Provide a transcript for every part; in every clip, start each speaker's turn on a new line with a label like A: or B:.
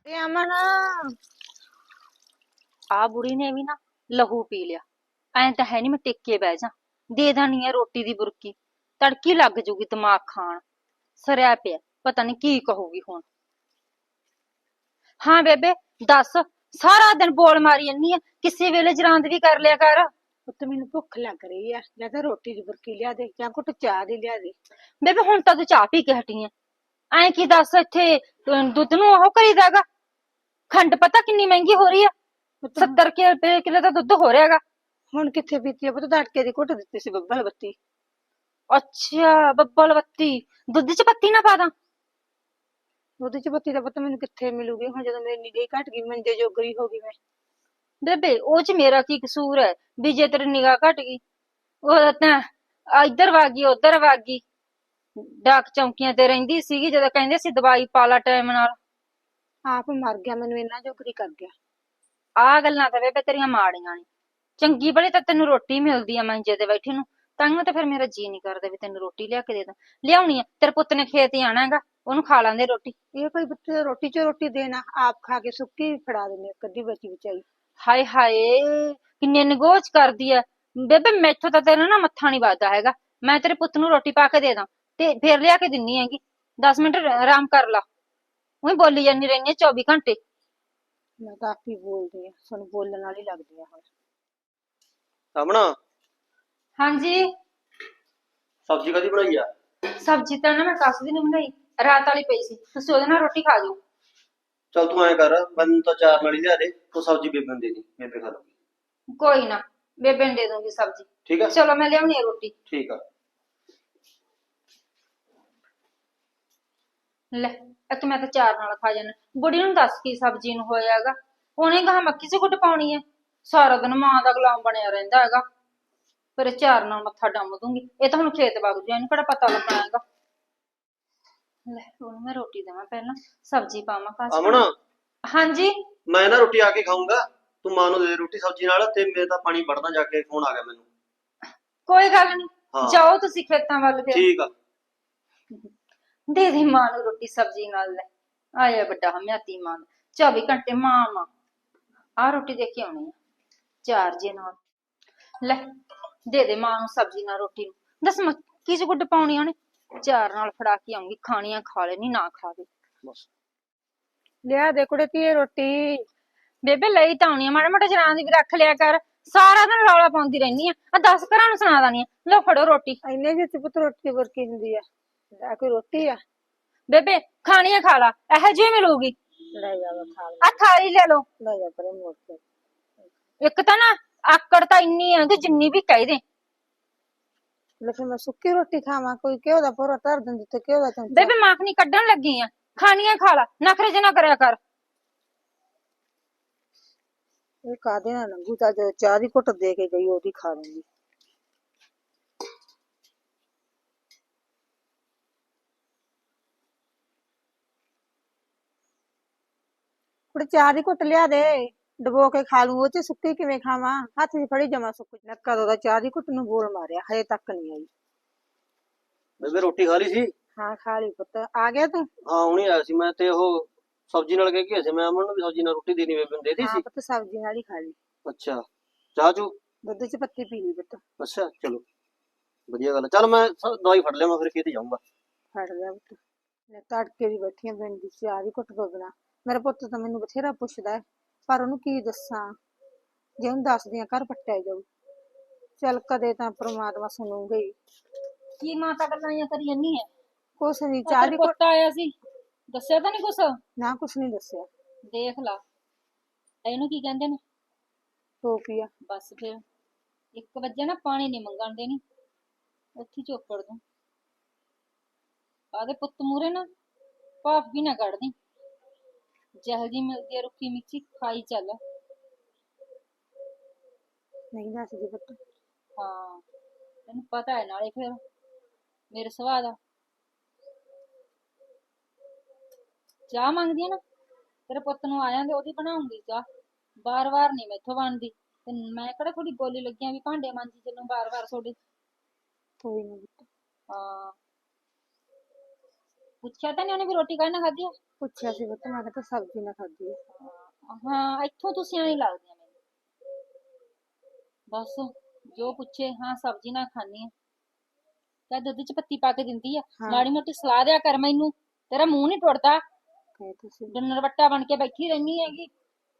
A: ਇਹ ਅਮਨ
B: ਆ ਬੁੜੀ ਨੇ ਵੀ ਨਾ ਲਹੂ ਪੀ ਲਿਆ। ਐਂ ਤਾਂ ਹੈ ਨੀ ਮੈਂ ਟਿੱਕੇ ਬਹਿ ਜਾ, ਦੇ ਦੇਣੀ ਐ ਰੋਟੀ ਦੀ ਬੁਰਕੀ, ਤੜਕੀ ਲੱਗ ਜੂਗੀ ਦਿਮਾਗ ਖਾਣ। ਸਰਿਆ ਪਿਆ, ਪਤਾ ਨੀ ਕੀ ਕਹੂਗੀ ਹੁਣ। ਹਾਂ ਬੇਬੇ ਦੱਸ, ਸਾਰਾ ਦਿਨ ਬੋਲ ਮਾਰੀ ਜੰਨੀ ਆ, ਕਿਸੇ ਵੇਲੇ ਜਰਾਂਦ ਵੀ ਕਰ ਲਿਆ ਕਰ।
A: ਪੁੱਤ ਮੈਨੂੰ ਭੁੱਖ ਲੱਗ ਰਹੀ ਆ, ਜਾਂ ਤਾਂ ਰੋਟੀ ਦੀ ਬੁਰਕੀ ਲਿਆ ਦੇ ਜਾਂ ਘੁੱਟ ਚਾਹ ਦੀ ਲਿਆ ਦੇ।
B: ਬੇਬੇ ਹੁਣ ਤਾਂ ਤੂੰ ਚਾਹ ਪੀ ਕੇ ਹਟੀ ਐ, ਐਂ ਕੀ ਦੱਸ ਇੱਥੇ ਦੁੱਧ ਨੂੰ ਉਹ ਕਰੀਦਾਗਾ। ਖੰਡ ਪਤਾ ਕਿੰਨੀ ਮਹਿੰਗੀ ਹੋ ਰਹੀ ਆ,
A: ਪੁੱਤ
B: 70 ਰੁਪਏ ਕਿਲੋ ਦਾ ਦੁੱਧ ਹੋ ਰਿਹਾਗਾ।
A: ਹੁਣ ਕਿੱਥੇ ਪੀਤੀ ਆ ਪੁੱਤ, ਤੜਕੇ ਦੀ ਘੁੱਟ ਦਿੱਤੀ ਸੀ ਬੱਬਲ ਬੱਤੀ।
B: ਅੱਛਾ ਬੱਬਲ ਬੱਤੀ, ਦੁੱਧ ਚ ਪੱਤੀ ਨਾ ਪਾ ਦਾਂ?
A: ਉਹਦੇ ਚ ਬੱਤੀ ਦਾ ਪੁੱਤ ਮੈਨੂੰ ਕਿੱਥੇ ਮਿਲੂਗੀ ਹੁਣ, ਜਦੋਂ ਮੇਰੀ ਨਿਗਾਹ ਘਟ ਗਈ, ਮੰਜੇ ਜੋਗਰੀ ਹੋ ਗਈ ਮੈਂ।
B: ਬੇਬੇ ਉਹ ਚ ਮੇਰਾ ਕੀ ਕਸੂਰ ਹੈ ਵੀ ਜੇ ਤੇਰੀ ਨਿਗਾਹ ਘਟ ਗਈ? ਉਹ ਤਾਂ ਇੱਧਰ ਵਾਗੀ ਉੱਧਰ ਵਾਗੀ, ਡਾਕ ਚੌਂਕੀਆਂ ਤੇ ਰਹਿੰਦੀ ਸੀਗੀ ਜਦੋਂ ਕਹਿੰਦੇ ਸੀ ਦਵਾਈ ਪਾ ਲਾ ਟਾਈਮ ਨਾਲ।
A: ਆਪ ਮਰ ਗਿਆ, ਮੈਨੂੰ ਇੰਨਾ ਜੋਗਰੀ ਕਰ ਗਿਆ।
B: ਆਹ ਗੱਲਾਂ ਤਾਂ ਬੇਬੇ ਤੇਰੀਆਂ ਮਾੜੀਆਂ ਨੇ, ਚੰਗੀ ਭਲੀ ਤਾਂ ਤੈਨੂੰ ਰੋਟੀ ਮਿਲਦੀ ਆ ਮੰਜੇ ਤੇ ਬੈਠੀ ਨੂੰ, ਤਾਂਹੀਓ ਤਾਂ ਫਿਰ ਮੇਰਾ ਜੀ ਨਹੀਂ ਕਰਦਾ ਵੀ ਤੈਨੂੰ ਰੋਟੀ ਲਿਆ ਕੇ ਦੇ ਦਾਂ। ਲਿਆਉਣੀ ਆ, ਤੇਰੇ ਪੁੱਤ ਨੇ ਖੇਤ ਹੀ ਆਣਾ ਹੈਗਾ, ਉਹਨੂੰ ਖਾ ਲਾਂਦੇ ਰੋਟੀ।
A: ਇਹ ਕੋਈ ਪੁੱਤ ਰੋਟੀ ਚ ਰੋਟੀ ਦੇਣਾ, ਆਪ ਖਾ ਕੇ ਸੁੱਕੀ ਫੜਾ ਦਿੰਦੇ ਅੱਧੀ ਬਚੀ ਬਚਾਈ।
B: ਹਾਏ ਹਾਏ ਕਿੰਨੇ ਨਿਗੋਚ ਕਰਦੀ ਆ ਬੇਬੇ, ਮੈਥੋਂ ਤਾਂ ਤੇਰਾ ਨਾ ਮੱਥਾ ਨੀ ਵੱਜਦਾ ਹੈਗਾ। ਮੈਂ ਤੇਰੇ ਪੁੱਤ ਨੂੰ ਰੋਟੀ ਪਾ ਕੇ ਦੇ ਦਾਂ ਤੇ ਫੇਰ ਲਿਆ ਕੇ ਦਿੰਨੀ ਹੈਗੀ, 10 ਮਿੰਟ ਆਰਾਮ ਕਰ ਲਾ। ਉਹੀ ਬੋਲੀ ਜਾਂਦੀ ਰਹਿੰਦੀ 24 ਘੰਟੇ।
A: ਮੈਂ ਤਾਂ ਆਪ ਹੀ ਬੋਲਦੀ ਆ, ਸਾਨੂੰ ਬੋਲਣ ਵਾਲੀ ਲੱਗਦੀ ਆ ਹੁਣ।
C: ਸਾਹਮਣਾ
B: ਹਾਂਜੀ
C: ਸਬਜ਼ੀ ਕਦੀ ਬਣਾਈ ਆ?
B: ਸਬਜ਼ੀ ਤਾਂ ਨਾ ਮੈਂ ਕੱਸ ਦੀ ਨੀ ਬਣਾਈ, ਰਾਤ ਵਾਲੀ ਪਈ ਸੀ, ਤੁਸੀਂ ਉਹਦੇ ਨਾਲ ਰੋਟੀ ਖਾ ਜਾਓ।
C: ਚੱਲ ਤੂੰ ਐਂ ਕਰ, ਮੈਨੂੰ ਤਾਂ ਚਾਰ ਨਾਲ ਹੀ ਲਿਆ ਦੇ, ਤੂੰ ਸਬਜ਼ੀ ਬੇਬੇ ਨੂੰ ਦੇ ਦੀ, ਬੇਬੇ ਖਾ ਲੂਗੀ।
B: ਕੋਈ ਨਾ ਬੇਬੇ ਨੂੰ ਦੇ ਦੂੰਗੀ ਸਬਜ਼ੀ।
C: ਠੀਕ ਆ
B: ਚਲੋ ਮੈਂ ਲਿਆਉਣੀ ਆ ਰੋਟੀ।
C: ਠੀਕ ਆ।
B: ਲੈ ਇੱਕ ਮੈਂ ਤਾਂ ਚਾਰ ਨਾਲ ਖਾ ਜਾਣਾ, ਬੁੜੀ ਨੂੰ ਦੱਸ ਕੀ ਸਬਜ਼ੀ ਨੂੰ ਹੋਇਆਗਾ, ਉਹਨੇ ਕਹਾ ਮੱਕੀ ਚ ਕੁੱਟ ਪਾਉਣੀ ਹੈ, ਸਾਰਾ ਦਿਨ ਮਾਂ ਦਾ ਗੁਲਾਮ ਬਣਿਆ ਰਹਿੰਦਾ ਹੈਗਾ। ਫਿਰ ਚਾਰ ਨਾਲ ਮੱਥਾ ਡੰਮ ਦੂੰਗੀ, ਇਹ ਤਾਂ ਹੁਣ ਖੇਤ ਵਗ ਜਾ, ਇਹਨੂੰ ਕਿਹੜਾ ਪਤਾ ਲੱਗਣਾ ਹੈਗਾ। ਲੈ ਉਹਨੂੰ ਮੈਂ ਰੋਟੀ ਦੇਵਾਂ ਪਹਿਲਾਂ, ਸਬਜ਼ੀ ਪਾਵਾਂ ਕਾਸ।
C: ਅਮਨ
B: ਹਾਂਜੀ
C: ਮੈਂ ਨਾ ਰੋਟੀ ਆ ਕੇ ਖਾਊਂਗਾ, ਤੂੰ ਮਾਂ ਨੂੰ ਦੇ ਦੇ ਰੋਟੀ ਸਬਜ਼ੀ ਨਾਲ, ਤੇ ਮੇਰੇ ਤਾਂ ਪਾਣੀ ਵੜਨਾ ਜਾ ਕੇ, ਫੋਨ ਆ ਗਿਆ ਮੈਨੂੰ।
B: ਕੋਈ ਗੱਲ ਨੀ,
C: ਹਾਂ
B: ਜਾਓ ਤੁਸੀਂ ਖੇਤਾਂ ਵੱਲ ਫਿਰ।
C: ਠੀਕ ਆ।
B: ਦੇ ਦੇ ਮਾਂ ਨੂੰ ਰੋਟੀ ਸਬਜ਼ੀ ਨਾਲ। ਲੈ ਆਇਆ ਵੱਡਾ ਹਮਿਆਤੀ ਮਾਂ, 24 ਘੰਟੇ ਮਾਂ। ਆਹ ਰੋਟੀ ਦੇ ਕੇ ਆਉਣੀ ਆ ਚਾਰ ਜੇ ਨਾਲ। ਲੈ ਦੇ ਦੇ ਮਾਂ ਨੂੰ ਸਬਜ਼ੀ ਨਾਲ ਰੋਟੀ ਨੂੰ, ਦੱਸ ਮੱਕੀ ਚ ਗੁੱਡ ਪਾਉਣੀ ਉਹਨੇ, ਚਾਰ ਨਾਲ ਫੜਾ ਕੇ ਆਉਂਗੀ, ਖਾਣੀਆਂ ਖਾ ਲੈਣੀ ਨਾ ਖਾਵੇ ਬਸ।
A: ਲਿਆ ਦੇ ਕੁੜੇ ਧੀਏ ਰੋਟੀ।
B: ਬੇਬੇ ਲਈ ਤਾਂ ਆਉਣੀ ਆ, ਮਾੜਾ ਮੋਟਾ ਜਰਾਂ ਦੀ ਵੀ ਰੱਖ ਲਿਆ ਕਰ, ਸਾਰਾ ਦਿਨ ਰੌਲਾ ਪਾਉਂਦੀ ਰਹਿਨੀ ਆ 10 ਘਰਾਂ ਨੂੰ ਸੁਣਾ ਦਾਨੀ ਆ। ਲਓ ਫੜੋ ਰੋਟੀ।
A: ਇੰਨੇ ਜਿਹੇ ਪੁੱਤ ਰੋਟੀ ਵਰਕੀ ਹੁੰਦੀ ਆ, ਲੈ ਕੋਈ ਰੋਟੀ ਆ।
B: ਬੇਬੇ ਖਾਣੀਆਂ ਖਾ ਲਾ, ਇਹੋ ਜਿਹੀ ਮਿਲੂਗੀ।
A: ਲੈ ਜਾ ਖਾ
B: ਆ ਥਾਲੀ ਲੈ ਲਓ।
A: ਲੈ ਜਾ ਪਰੇ ਮੋੜ ਕੇ।
B: ਇੱਕ ਤਾਂ ਨਾ ਆਕੜ ਤਾਂ ਇੰਨੀ ਆ ਕਿ ਜਿੰਨੀ ਵੀ ਕਹਿ ਦੇ।
A: ਲੇਕਿਨ ਮੈਂ ਸੁੱਕੀ ਰੋਟੀ ਖਾਵਾਂ, ਕੋਈ ਘਿਓ ਦਾ ਭੋਰਾ ਧਰ ਦਿੰਦੀ ਤੇ ਘਿਓ ਦਾ ਚਮਚਾ।
B: ਬੇਬੇ ਮਾਖਣੀ ਕੱਢਣ ਲੱਗੀ ਆ, ਖਾਣੀਆਂ ਖਾ ਲਾ, ਨਖਰੇ ਜੇ ਨਾ ਕਰਿਆ ਕਰ।
A: ਇਹ ਕਾਦੇ ਨਾਲ ਲੰਗੂ, ਤਾਂ ਜਦੋਂ ਚਾਹ ਦੀ ਘੁੱਟ ਦੇ ਕੇ ਗਈ ਉਹਦੀ ਖਾ ਲੂੰਗੀ। ਕੁੜੇ ਚਾਹ ਦੀ ਘੁੱਟ ਲਿਆ ਦੇ, ਡਬੋ ਕੇ ਖਾ ਲੂੰ, ਉਹ ਚ ਸੁੱਕੀ ਕਿਵੇਂ ਖਾਵਾਂ, ਹੱਥ 'ਚ ਫੜੀ ਜਮਾ ਸੁੱਕ। ਮੈਂ ਕਦੋਂ ਦਾ ਚਾਹ ਦੀ ਘੁੱਟ ਨੂੰ ਬੋਲ ਮਾਰਿਆ, ਹਜੇ ਤੱਕ ਨਹੀਂ ਆਈ।
C: ਬੇਬੇ ਰੋਟੀ ਖਾ ਲਈ ਸੀ?
A: ਹਾਂ ਖਾ ਲਈ ਪੁੱਤ, ਆ ਗਿਆ ਤੂੰ?
C: ਹਾਂ ਹੁਣੇ ਆਇਆ ਸੀ ਮੈਂ, ਤੇ ਉਹ ਸਬਜ਼ੀ ਨਾਲ ਕਹਿ ਕੇ ਸੀ ਮੈਂ, ਅਮਨ ਨੂੰ ਵੀ ਸਬਜ਼ੀ ਨਾਲ ਰੋਟੀ ਦੇਣੀ, ਬੇਬੇ ਨੂੰ ਦੇ ਦੀ
A: ਹਾਂ
C: ਸੀ।
A: ਪੁੱਤ ਸਬਜ਼ੀ ਨਾਲ ਹੀ ਖਾ ਲਈ।
C: ਅੱਛਾ ਚਾਹ ਚੂ?
A: ਦੁੱਧ 'ਚ ਪੱਤੀ ਪੀ ਲਈ ਪੁੱਤ।
C: ਅੱਛਾ ਚਲੋ ਵਧੀਆ ਗੱਲ। ਚੱਲ ਮੈਂ ਦਵਾਈ ਫੜ ਲਿਆ, ਮੈਂ ਫਿਰ ਖੇਤ ਜਾਊਂਗਾ।
A: ਫੜ ਲਿਆ ਪੁੱਤ, ਮੈਂ ਤੜਕੇ ਦੀ ਬੈਠੀ ਆਂ ਪਿੰਡ ਦੀ, ਚਾਹ ਦੀ ਘੁੱਟ ਤੋਂ ਬਿਨਾ। ਮੇਰਾ ਪੁੱਤ ਤਾਂ ਮੈਨੂੰ ਬਥੇਰਾ ਪੁੱਛਦਾ ਹੈ, ਪਰ ਉਹਨੂੰ ਕੀ ਦੱਸਾਂ, ਜੇ ਉਹਨੂੰ ਦੱਸਦੀ ਆਂ ਘਰ ਪੱਟਿਆ ਜਾਊ। ਚੱਲ ਕਦੇ ਤਾਂ ਪ੍ਰਮਾਤਮਾ ਸੁਣੂਗਾ ਹੀ।
B: ਕੀ ਮਾਤਾ ਗੱਲਾਂ ਕਰੀ ਜੰਨੀ ਐ?
A: ਕੁਛ ਨੀ, ਚਾਹ ਦੀ ਘੁੱਟ।
B: ਪੁੱਤ ਆਇਆ ਸੀ, ਦੱਸਿਆ ਤਾਂ ਨੀ ਕੁਛ?
A: ਨਾ ਕੁਛ ਨੀ ਦੱਸਿਆ।
B: ਦੇਖ ਲਾ, ਇਹਨੂੰ ਕੀ ਕਹਿੰਦੇ ਨੇ?
A: ਟੋਪੀਆ।
B: ਬਸ ਫਿਰ 1 ਵਜੇ ਨਾ ਪਾਣੀ ਨੀ ਮੰਗਣ ਦੇਣੀ, ਉੱਥੇ ਚੋਪੜ ਦੂੰ। ਆਦੇ ਪੁੱਤ ਮੂਰੇ ਨਾ ਭਾਫ ਵੀ ਨਾ ਕੱਢਦੀ, ਜਿਹੋ ਜੀ ਮਿਲਦੀ ਆ ਰੁੱਖੀ ਮਿੱਠੀ ਖਾਈ ਚੱਲ।
A: ਨਹੀਂ ਦੱਸਦੀ ਪੁੱਤ।
B: ਹਾਂ ਤੈਨੂੰ ਪਤਾ ਹੈ ਨਾਲੇ ਫਿਰ ਮੇਰੇ ਸੁਭਾਅ ਦਾ। ਚਾਹ ਮੰਗਦੀ ਆ ਨਾ, ਤੇਰੇ ਪੁੱਤ ਨੂੰ ਆ ਜਾਂਦੇ ਉਹਦੀ ਬਣਾਉਂਗੀ ਚਾਹ, ਬਾਰ ਬਾਰ ਨੀ ਮੈਥੋਂ ਬਣਦੀ। ਤੇ ਮੈਂ ਕਿਹੜਾ ਥੋੜੀ ਗੋਲੀ ਲੱਗਿਆ ਵੀ ਭਾਂਡੇ ਮਾਂਜੀ ਚੱਲੂ ਬਾਰ ਬਾਰ ਤੁਹਾਡੇ।
A: ਕੋਈ ਨਾ ਪੁੱਤ।
B: ਹਾਂ ਪੁੱਛਿਆ ਤਾਂ ਨੀ ਉਹਨੇ ਵੀ ਰੋਟੀ ਕਾਹਦੇ ਨਾਲ ਖਾਧੀ ਆ?
A: ਪੁੱਛਿਆ ਸੀ ਪੁੱਤ, ਮੈਂ ਕਿਹਾ ਸਬਜ਼ੀ ਨਾ ਖਾਧੀ ਆ।
B: ਹਾਂ ਇੱਥੋਂ ਤੁਸੀਂ ਐਂ ਲੱਗਦੀਆਂ ਮੈਨੂੰ। ਬਸ ਜੋ ਪੁੱਛੇ ਹਾਂ ਸਬਜ਼ੀ ਨਾ ਖਾਣੀ ਆ, ਕਹ ਦੁੱਧ ਚ ਪੱਤੀ ਪਾ ਕੇ ਦਿੰਦੀ ਆ।
A: ਹਾਂ।
B: ਮਾੜੀ ਮੋਟੀ ਸਲਾਹ ਦਿਆ ਕਰ ਮੈਨੂੰ, ਤੇਰਾ ਮੂੰਹ ਨਹੀਂ ਟੁੱਟਦਾ,
A: ਕਹੇ ਤੁਸੀਂ
B: ਡੰਨਰ ਵੱਟਾ ਬਣ ਕੇ ਬੈਠੀ ਰਹਿਨੀ ਹੈਗੀ।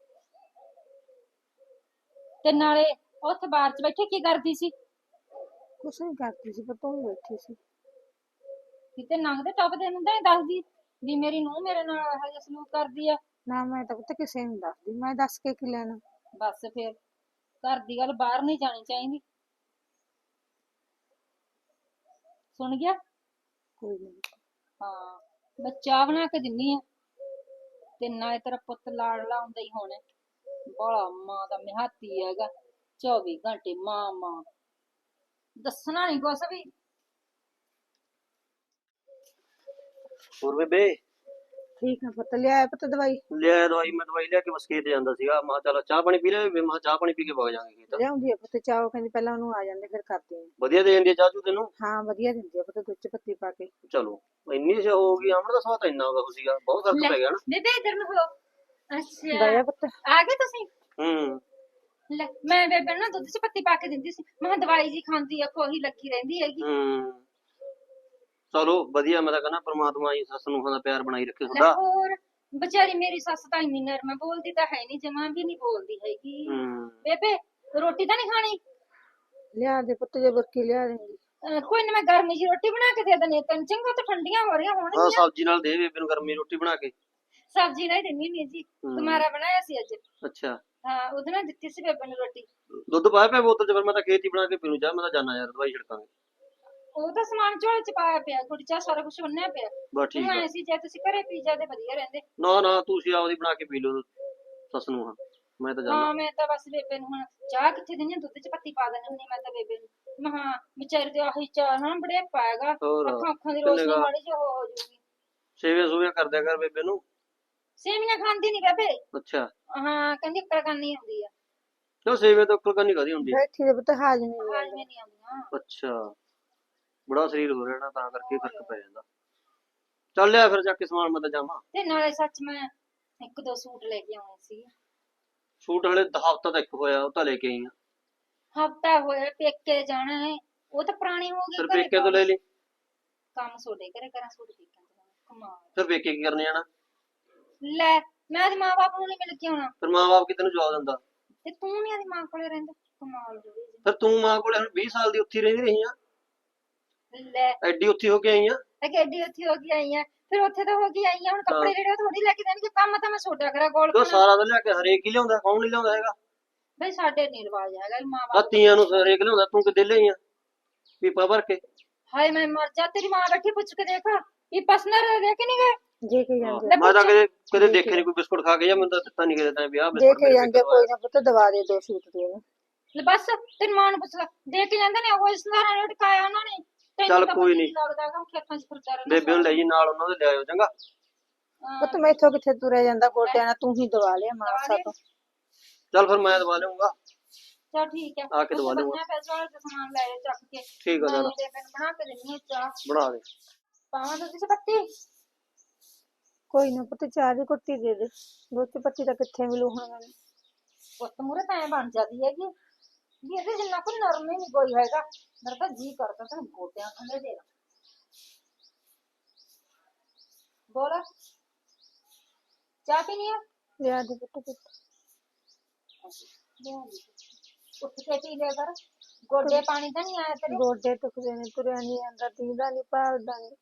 B: ਤੇ ਨਾਲੇ ਉੱਥੇ ਬਾਹਰ ਚ ਬੈਠੇ ਕੀ ਕਰਦੀ ਸੀ?
A: ਕੁਛ ਨਹੀਂ ਕਰਦੀ ਸੀ ਪੁੱਤ, ਉਹ ਬੈਠੀ ਸੀ।
B: ਕਿਤੇ ਲੰਘਦੇ ਟੱਪਦੇ ਨੂੰ ਤਾਂ ਨੀ ਦੱਸਦੀ ਵੀ ਮੇਰੀ ਨੂੰਹ ਮੇਰੇ ਨਾਲ ਇਹੋ ਜਿਹਾ ਸਲੂਕ ਕਰਦੀ ਆ।
A: ਨਾ ਮੈਂ ਤਾਂ ਪੁੱਤ ਕਿਸੇ ਨੂੰ ਦੱਸਦੀ, ਮੈਂ ਦੱਸ ਕੇ ਕੀ ਲੈਣਾ।
B: ਬਸ ਫਿਰ ਘਰ ਦੀ ਗੱਲ ਬਾਹਰ ਨਹੀਂ ਜਾਣੀ ਚਾਹੀਦੀ, ਸੁਣ ਗਿਆ?
A: ਕੋਈ ਨਹੀਂ।
B: ਹਾਂ ਮੈਂ ਚਾਹ ਬਣਾ ਕੇ ਦਿੰਨੀ ਆ, ਤੇ ਨਾਲੇ ਤੇਰਾ ਪੁੱਤ ਲਾਡਲਾ ਹੁੰਦਾ ਹੀ ਹੋਣਾ, ਬੜਾ ਮਾਂ ਦਾ ਮਿਹਾਤੀ ਹੈਗਾ, 24 ਘੰਟੇ ਮਾਂ ਮਾਂ, ਦੱਸਣਾ ਨਹੀਂ ਕੁਛ ਵੀ।
C: ਹੋਰ ਬੇਬੇ?
A: ਠੀਕ ਆ ਪੁੱਤ, ਲਿਆਇਆ ਪੁੱਤ ਦਵਾਈ?
C: ਲਿਆ ਦਵਾਈ, ਮੈਂ ਦਵਾਈ ਲਿਆ ਕੇ ਬਸ ਖੇਤ ਜਾਂਦਾ ਸੀਗਾ। ਮੈਂ ਕਿਹਾ ਚੱਲ ਚਾਹ ਪਾਣੀ ਪੀ ਲੈ, ਮੈਂ ਕਿਹਾ ਚਾਹ ਪਾਣੀ ਪੀ ਕੇ ਵਗ ਜਾਵਾਂਗੇ ਖੇਤ।
A: ਲਿਆਉਂਦੀ ਆ ਪੁੱਤ ਚਾਹ, ਉਹ ਕਹਿੰਦੀ ਪਹਿਲਾਂ ਉਹਨੂੰ ਆ ਜਾਂਦੇ ਫਿਰ ਕਰਦੇ ਆ।
C: ਵਧੀਆ ਦੇ ਦਿੰਦੀ ਆ ਚਾਹ ਚੂ ਤੈਨੂੰ?
A: ਹਾਂ ਵਧੀਆ ਦਿੰਦੀ ਆ ਪੁੱਤ, ਦੁੱਧ ਚ ਪੱਤੀ ਪਾ ਕੇ।
C: ਚਲੋ ਇੰਨੀ ਸੇ ਹੋ ਗਈ, ਅਮਰ ਦਾ ਸਵਾਦ ਤਾਂ ਇੰਨਾ ਹੋ ਸੀਗਾ, ਬਹੁਤ ਫਰਕ ਪੈ ਗਿਆ ਨਾ।
B: ਬੇਬੇ ਇਧਰ ਨੂੰ ਹੋ। ਅੱਛਾ
A: ਦਇਆ ਪੁੱਤ।
B: ਆ ਗਏ ਤੁਸੀਂ?
C: ਹੂੰ।
B: ਲੈ ਮੈਂ ਬੇਬੇ ਨੂੰ ਨਾ ਦੁੱਧ ਚ ਪੱਤੀ ਪਾ ਕੇ ਦਿੰਦੀ ਸੀ, ਮੈਂ ਕਿਹਾ ਦਵਾਈ ਜੀ ਖਾਂਦੀ ਆ, ਖੋਹੀ ਲੱਗੀ ਰਹਿੰਦੀ ਹੈਗੀ।
C: ਹੂੰ ਚਲੋ ਵਧੀਆ, ਮੈਂ ਤਾਂ ਕਹਿੰਦਾ ਪ੍ਰਮਾਤਮਾ ਹੀ ਸੱਸ ਨੂੰ ਦਾ ਪਿਆਰ ਬਣਾਈ ਰੱਖੇ
B: ਲੈ
C: ਤੁਹਾਡਾ।
B: ਹੋਰ ਵਿਚਾਰੀ ਮੇਰੀ ਸੱਸ ਤਾਂ ਇੰਨੀ ਨਰਮ ਹੈ, ਬੋਲਦੀ ਤਾਂ ਹੈ ਨਹੀਂ, ਜਮਾਂ ਵੀ ਨਹੀਂ ਬੋਲਦੀ ਹੈਗੀ।
C: ਹੂੰ
B: ਬੇਬੇ ਰੋਟੀ ਤਾਂ ਨਹੀਂ ਖਾਣੀ?
A: ਲਿਆ ਦੇ ਪੁੱਤ, ਜੇ ਬੁਰਕੀ ਲਿਆ ਦੇਂਗੀ।
B: ਕੋਈ ਨਾ ਮੈਂ ਗਰਮੀ ਜੀ ਰੋਟੀ ਬਣਾ ਕੇ ਦੇ ਦਨੀ ਤੈਨੂੰ, ਚੰਗਾ ਤਾਂ ਠੰਡੀਆਂ ਹੋ ਰਹੀਆਂ
C: ਹਾਂ
B: ਹੋਣਗੀਆਂ।
C: ਸਬਜ਼ੀ ਨਾਲ ਦੇ ਬੇਬੇ ਨੂੰ ਗਰਮੀ ਰੋਟੀ ਬਣਾ ਕੇ।
B: ਸਬਜ਼ੀ ਨਾਲ ਹੀ ਦਿੰਨੀ ਹੁੰਦੀ ਜੀ, ਤੁਹਾਰਾ ਬਣਾਇਆ ਸੀ ਅੱਜ।
C: ਅੱਛਾ
B: ਹਾਂ ਉਹਦੇ ਨਾਲ ਦਿੱਤੀ ਸੀ ਬੇਬੇ ਨੂੰ ਰੋਟੀ।
C: ਦੁੱਧ ਪਾਇਆ ਪਿਆ ਬੋਤਲ ਚ? ਫਿਰ ਮੈਂ ਤਾਂ ਖੇਤ ਹੀ ਬਣਾ ਕੇ ਪੀਣੂ ਚਾਹ, ਮੈਂ ਤਾਂ ਜਾਣਾ ਯਾਰ, ਦਵਾਈ ਛਿੜਕਾਂਗੇ।
B: ਉਹ ਤਾਂ ਸਮਾਨ ਝੋਲੇ ਚ ਪਾਇਆ ਪਿਆ, ਗੁੜ ਚਾਹ ਸਾਰਾ ਕੁਝ ਬੰਨਿਆ ਪਿਆ।
C: ਬਸ ਠੀਕ ਆ।
B: ਸੀ ਜੇ ਤੁਸੀਂ ਘਰੇ ਪੀ ਜਾਂਦੇ ਵਧੀਆ ਰਹਿੰਦੇ।
C: ਨਾ ਨਾ ਤੁਸੀਂ ਆਪਦੀ ਬਣਾ ਕੇ ਪੀ ਲਓ ਸੱਸ ਨੂੰ, ਹਾਂ ਮੈਂ ਤਾਂ ਜਾਣਾ।
B: ਹਾਂ ਮੈਂ ਤਾਂ ਬਸ ਬੇਬੇ ਨੂੰ ਹੁਣ ਚਾਹ ਕਿੱਥੇ ਦਿੰਦੀ, ਦੁੱਧ ਚ ਪੱਤੀ ਪਾ ਦਿੰਦੀ ਹੁੰਦੀ ਮੈਂ ਤਾਂ ਬੇਬੇ ਨੂੰ। ਮਹਾ ਵਿਚਾਰੀ ਤੇ ਆਹੀ ਚਾਹ ਨਾ ਬੜੇ ਪਾਏਗਾ,
C: ਹੋਰ
B: ਅੱਖਾਂ ਅੱਖਾਂ ਦੀ
C: ਕਿੰਨੇ
B: ਰੋਸ਼ਨੀ
C: ਗਾ
B: ਮਾੜੀ ਜਿਹੀ ਹੋ ਜੂਗੀ।
C: ਸੇਵੇ ਸੂਵੇ ਕਰ ਦਿਆ ਕਰ ਬੇਬੇ ਨੂੰ।
B: ਸੇਵੀਆਂ ਖਾਂਦੀ ਨਹੀਂ ਬੇਬੇ।
C: ਅੱਛਾ
B: ਹਾਂ ਕਹਿੰਦੀ ਅਕਲ ਕਰਨੀ ਆਉਂਦੀ ਆ।
C: ਚਲੋ ਸੇਵੇ ਤਾਂ ਅਕਲ ਕਰਨੀ ਕਾਹਦੀ ਹੁੰਦੀ ਹੈ।
A: ਬੈਠੀ ਦੇ ਪੁੱਤ, ਹਾਜ਼ਮੇ ਨਹੀਂ
B: ਹਾਜ਼ਮੇ
A: ਆਉਂਦਾ।
B: ਨਹੀਂ ਆਉਂਦੀਆਂ।
C: ਅੱਛਾ ਬੜਾ ਸਰੀਰ ਹੋ ਰਿਹਾ ਨਾ, ਤਾਂ ਕਰਕੇ ਫਰਕ ਪੈ ਜਾਂਦਾ। ਚੱਲ ਲਿਆ ਫਿਰ ਜਾ ਕੇ ਸਮਾਨ, ਮੈਂ ਤਾਂ ਜਾਵਾਂ।
B: ਤੇ ਨਾਲੇ ਸੱਚ ਮੈਂ ਇੱਕ ਦੋ ਸੂਟ ਲੈ ਕੇ ਆਉਣੇ ਸੀ।
C: ਸੂਟ ਹਲੇ ਹਫ਼ਤਾ ਤੱਕ ਹੋਇਆ, ਉਹ ਤਾਂ ਲੈ ਕੇ ਆਈ ਆ।
B: ਹਫਤਾ ਹੋਇਆ ਪੇਕੇ ਜਾਣਾ ਹੈ, ਉਹ ਤਾਂ ਪੁਰਾਣੀ ਹੋ ਗਈ।
C: ਫਿਰ ਪੇਕੇ ਤੋਂ ਲੈ ਲਈ।
B: ਕੰਮ ਸੋਡੇ ਘਰੇ ਕਰਾਂ, ਸੂਟ ਪੇਕਿਆਂ ਤੋਂ ਕਮਾਲ।
C: ਫਿਰ ਪੇਕੇ ਕੀ ਕਰਨੇ ਜਾਣਾ?
B: ਲੈ ਮੈਂ ਆਦੀ ਮਾਂ ਬਾਪ ਨੂੰ ਨਹੀਂ ਮਿਲ ਕੇ ਆਉਣਾ,
C: ਫਿਰ ਮਾਂ ਬਾਪ ਕਿਤੇ ਨੂੰ ਜਵਾਬ ਦਿੰਦਾ?
B: ਤੇ ਤੂੰ ਨੀ ਆਦੀ ਮਾਂ ਕੋਲੇ ਰਹਿੰਦਾ, ਕਮਾਲ ਹੋ ਗਈ।
C: ਫਿਰ ਤੂੰ ਮਾਂ ਕੋਲੇ ਹੁਣ 20 ਸਾਲ ਦੀ ਉੱਥੇ ਰਹਿੰਦੀ ਰਹੀ ਆ,
B: ਲੈ
C: ਐਡੀ ਉੱਥੀ ਹੋ ਕੇ ਆਈ ਆ।
B: ਐਡੀ ਉੱਥੇ ਹੋ ਗਈ ਆਈ ਆ, ਫਿਰ ਉੱਥੇ ਤਾਂ ਹੋ ਗਈ ਆਈ ਆ, ਹੁਣ ਕੱਪੜੇ ਜਿਹੜੇ ਥੋੜੀ ਲੈ ਕੇ ਦੇਣਗੇ, ਕੰਮ ਤਾਂ ਮੈਂ ਸੋਡਾ ਕਰਾਂ ਗੋਲ
C: ਤੂੰ ਸਾਰਾ ਤਾਂ ਲਿਆ ਕੇ ਹਰੇਕ ਹੀ ਲਿਆਉਂਦਾ, ਕੌਣ ਨਹੀਂ ਲਿਆਉਂਦਾ ਹੈਗਾ?
B: ਬਈ ਸਾਡੇ ਨੀ ਰਿਵਾਜ ਹੈਗਾ ਮਾਂ
C: ਆ
B: ਬਾਪ।
C: ਤੀਆਂ ਨੂੰ ਹਰੇਕ ਲਿਆਉਂਦਾ, ਤੂੰ ਕਿੱਦੇ ਲਈ ਆ ਪੀਪਾ ਭਰ ਕੇ?
B: ਹਾਏ ਮੈਂ ਮਰ ਜਾ, ਤੇਰੀ ਮਾਂ ਬੈਠੀ ਪੁੱਛ ਕੇ ਦੇਖ ਵੀ ਪਸਨਰ ਦੇ ਕੇ ਨਹੀਂ ਗਏ?
A: ਦੇ ਕੇ ਜਾਂਦੇ
C: ਮੈਂ ਤਾਂ ਕਦੇ ਦੇਖੇ ਨਹੀਂ ਕੋਈ ਬਿਸਕੁਟ ਖਾ ਕੇ, ਜਾਂ ਮੈਨੂੰ ਤਾਂ ਦਿੱਤਾ ਨਹੀਂ ਕਿਸੇ ਨੇ ਵਿਆਹ
A: ਦੇ
C: ਬਿਸਕੁਟ
A: ਕੇ ਜਾਂਦੇ। ਕੋਈ ਨਾ ਪੁੱਤ ਦਵਾ ਦੇ ਦੋ ਸੂਟ ਦੇ ਉਹਨੂੰ।
B: ਲੈ ਬਸ ਤੇਰੀ ਮਾਂ ਨੂੰ ਪੁੱਛ ਲੈ, ਦੇ ਕੇ ਜਾਂਦੇ ਨੇ, ਉਹ ਸੰਧਾਰਾ ਨੇ ਟਕਾਇਆ ਉਹਨਾਂ ਨੇ।
C: ਚੱਲ ਕੋਈ ਨੀ,
B: ਲੱਗਦਾ ਹੈਗਾ ਖੇਤਾਂ 'ਚ ਫਿਰਦਾ ਰਹਿੰਦਾ।
C: ਬੇਬੇ ਨੂੰ ਲੈ ਜੀ ਨਾਲ, ਉਹਨਾਂ ਦੇ ਲਿਆਇਓ ਚੰਗਾ।
A: ਪੁੱਤ ਮੈਥੋਂ ਕਿੱਥੇ ਤੁਰਿਆ ਜਾਂਦਾ ਗੋਡਿਆਂ ਨਾਲ, ਤੂੰ ਹੀ ਦਵਾ ਲਿਆ ਮਾਸਾ ਤੋਂ।
C: ਚੱਲ ਫਿਰ ਮੈਂ ਦਵਾ ਲਿਆਉਂਗਾ,
B: ਚਲ ਠੀਕ ਹੈ,
C: ਆ ਕੇ ਦਵਾ ਲਿਆਉਂਗਾ।
B: ਪੈਸੇ ਵਾਲੇ ਤੇ ਸਮਾਨ ਲੈ ਜਾ ਚੱਕ ਕੇ।
C: ਠੀਕ ਆ,
B: ਮੈਂ
C: ਚੱਲ
B: ਬੇਬੇ ਨੂੰ ਬਣਾ ਕੇ ਦਿੰਦੀ ਹਾਂ ਚਾਹ।
C: ਬਣਾ ਦੇ।
B: ਪਾਵਾਂ ਦੁੱਧ 'ਚ ਪੱਤੀ?
A: ਕੋਈ ਨਾ ਪੁੱਤ, ਚਾਹ ਦੀ ਕੁੱਟੀ ਦੇ ਦੇ, ਦੁੱਧ ਚ ਪੱਤੀ ਤਾਂ ਕਿੱਥੇ ਮਿਲੂ ਹੁਣ ਮੈਨੂੰ।
B: ਪੁੱਤ ਮੂਰੇ ਤਾਂ ਐਂ ਬਣ ਜਾਂਦੀ ਹੈਗੀ ਵੀ ਇਹਦੇ ਜਿੰਨਾ ਕੋਈ ਨਰਮ ਹੀ ਨਹੀਂ ਕੋਈ ਹੈਗਾ। ਮੇਰਾ ਤਾਂ ਜੀ ਕਰਦਾ ਤੈਨੂੰ ਗੋਡਿਆਂ ਥੱਲੇ ਦੇ ਦਾਂ। ਬੋਲ ਚਾਹ ਪੀਣੀ ਆ?
A: ਲਿਆ ਦੇ ਪੁੱਤ ਪੁੱਤ।
B: ਉੱਠ ਕੇ ਪੀ ਲਿਆ ਕਰ, ਗੋਡੇ ਪਾਣੀ ਤਾਂ ਨਹੀਂ ਆਇਆ ਤੇਰੇ?
A: ਗੋਡੇ ਟੁਕਦੇ ਨੇ, ਤੁਰਿਆ ਨਹੀਂ ਜਾਂਦਾ, ਦੀਦਾ ਨਹੀਂ, ਭਾਲਦਾ ਨਹੀਂ।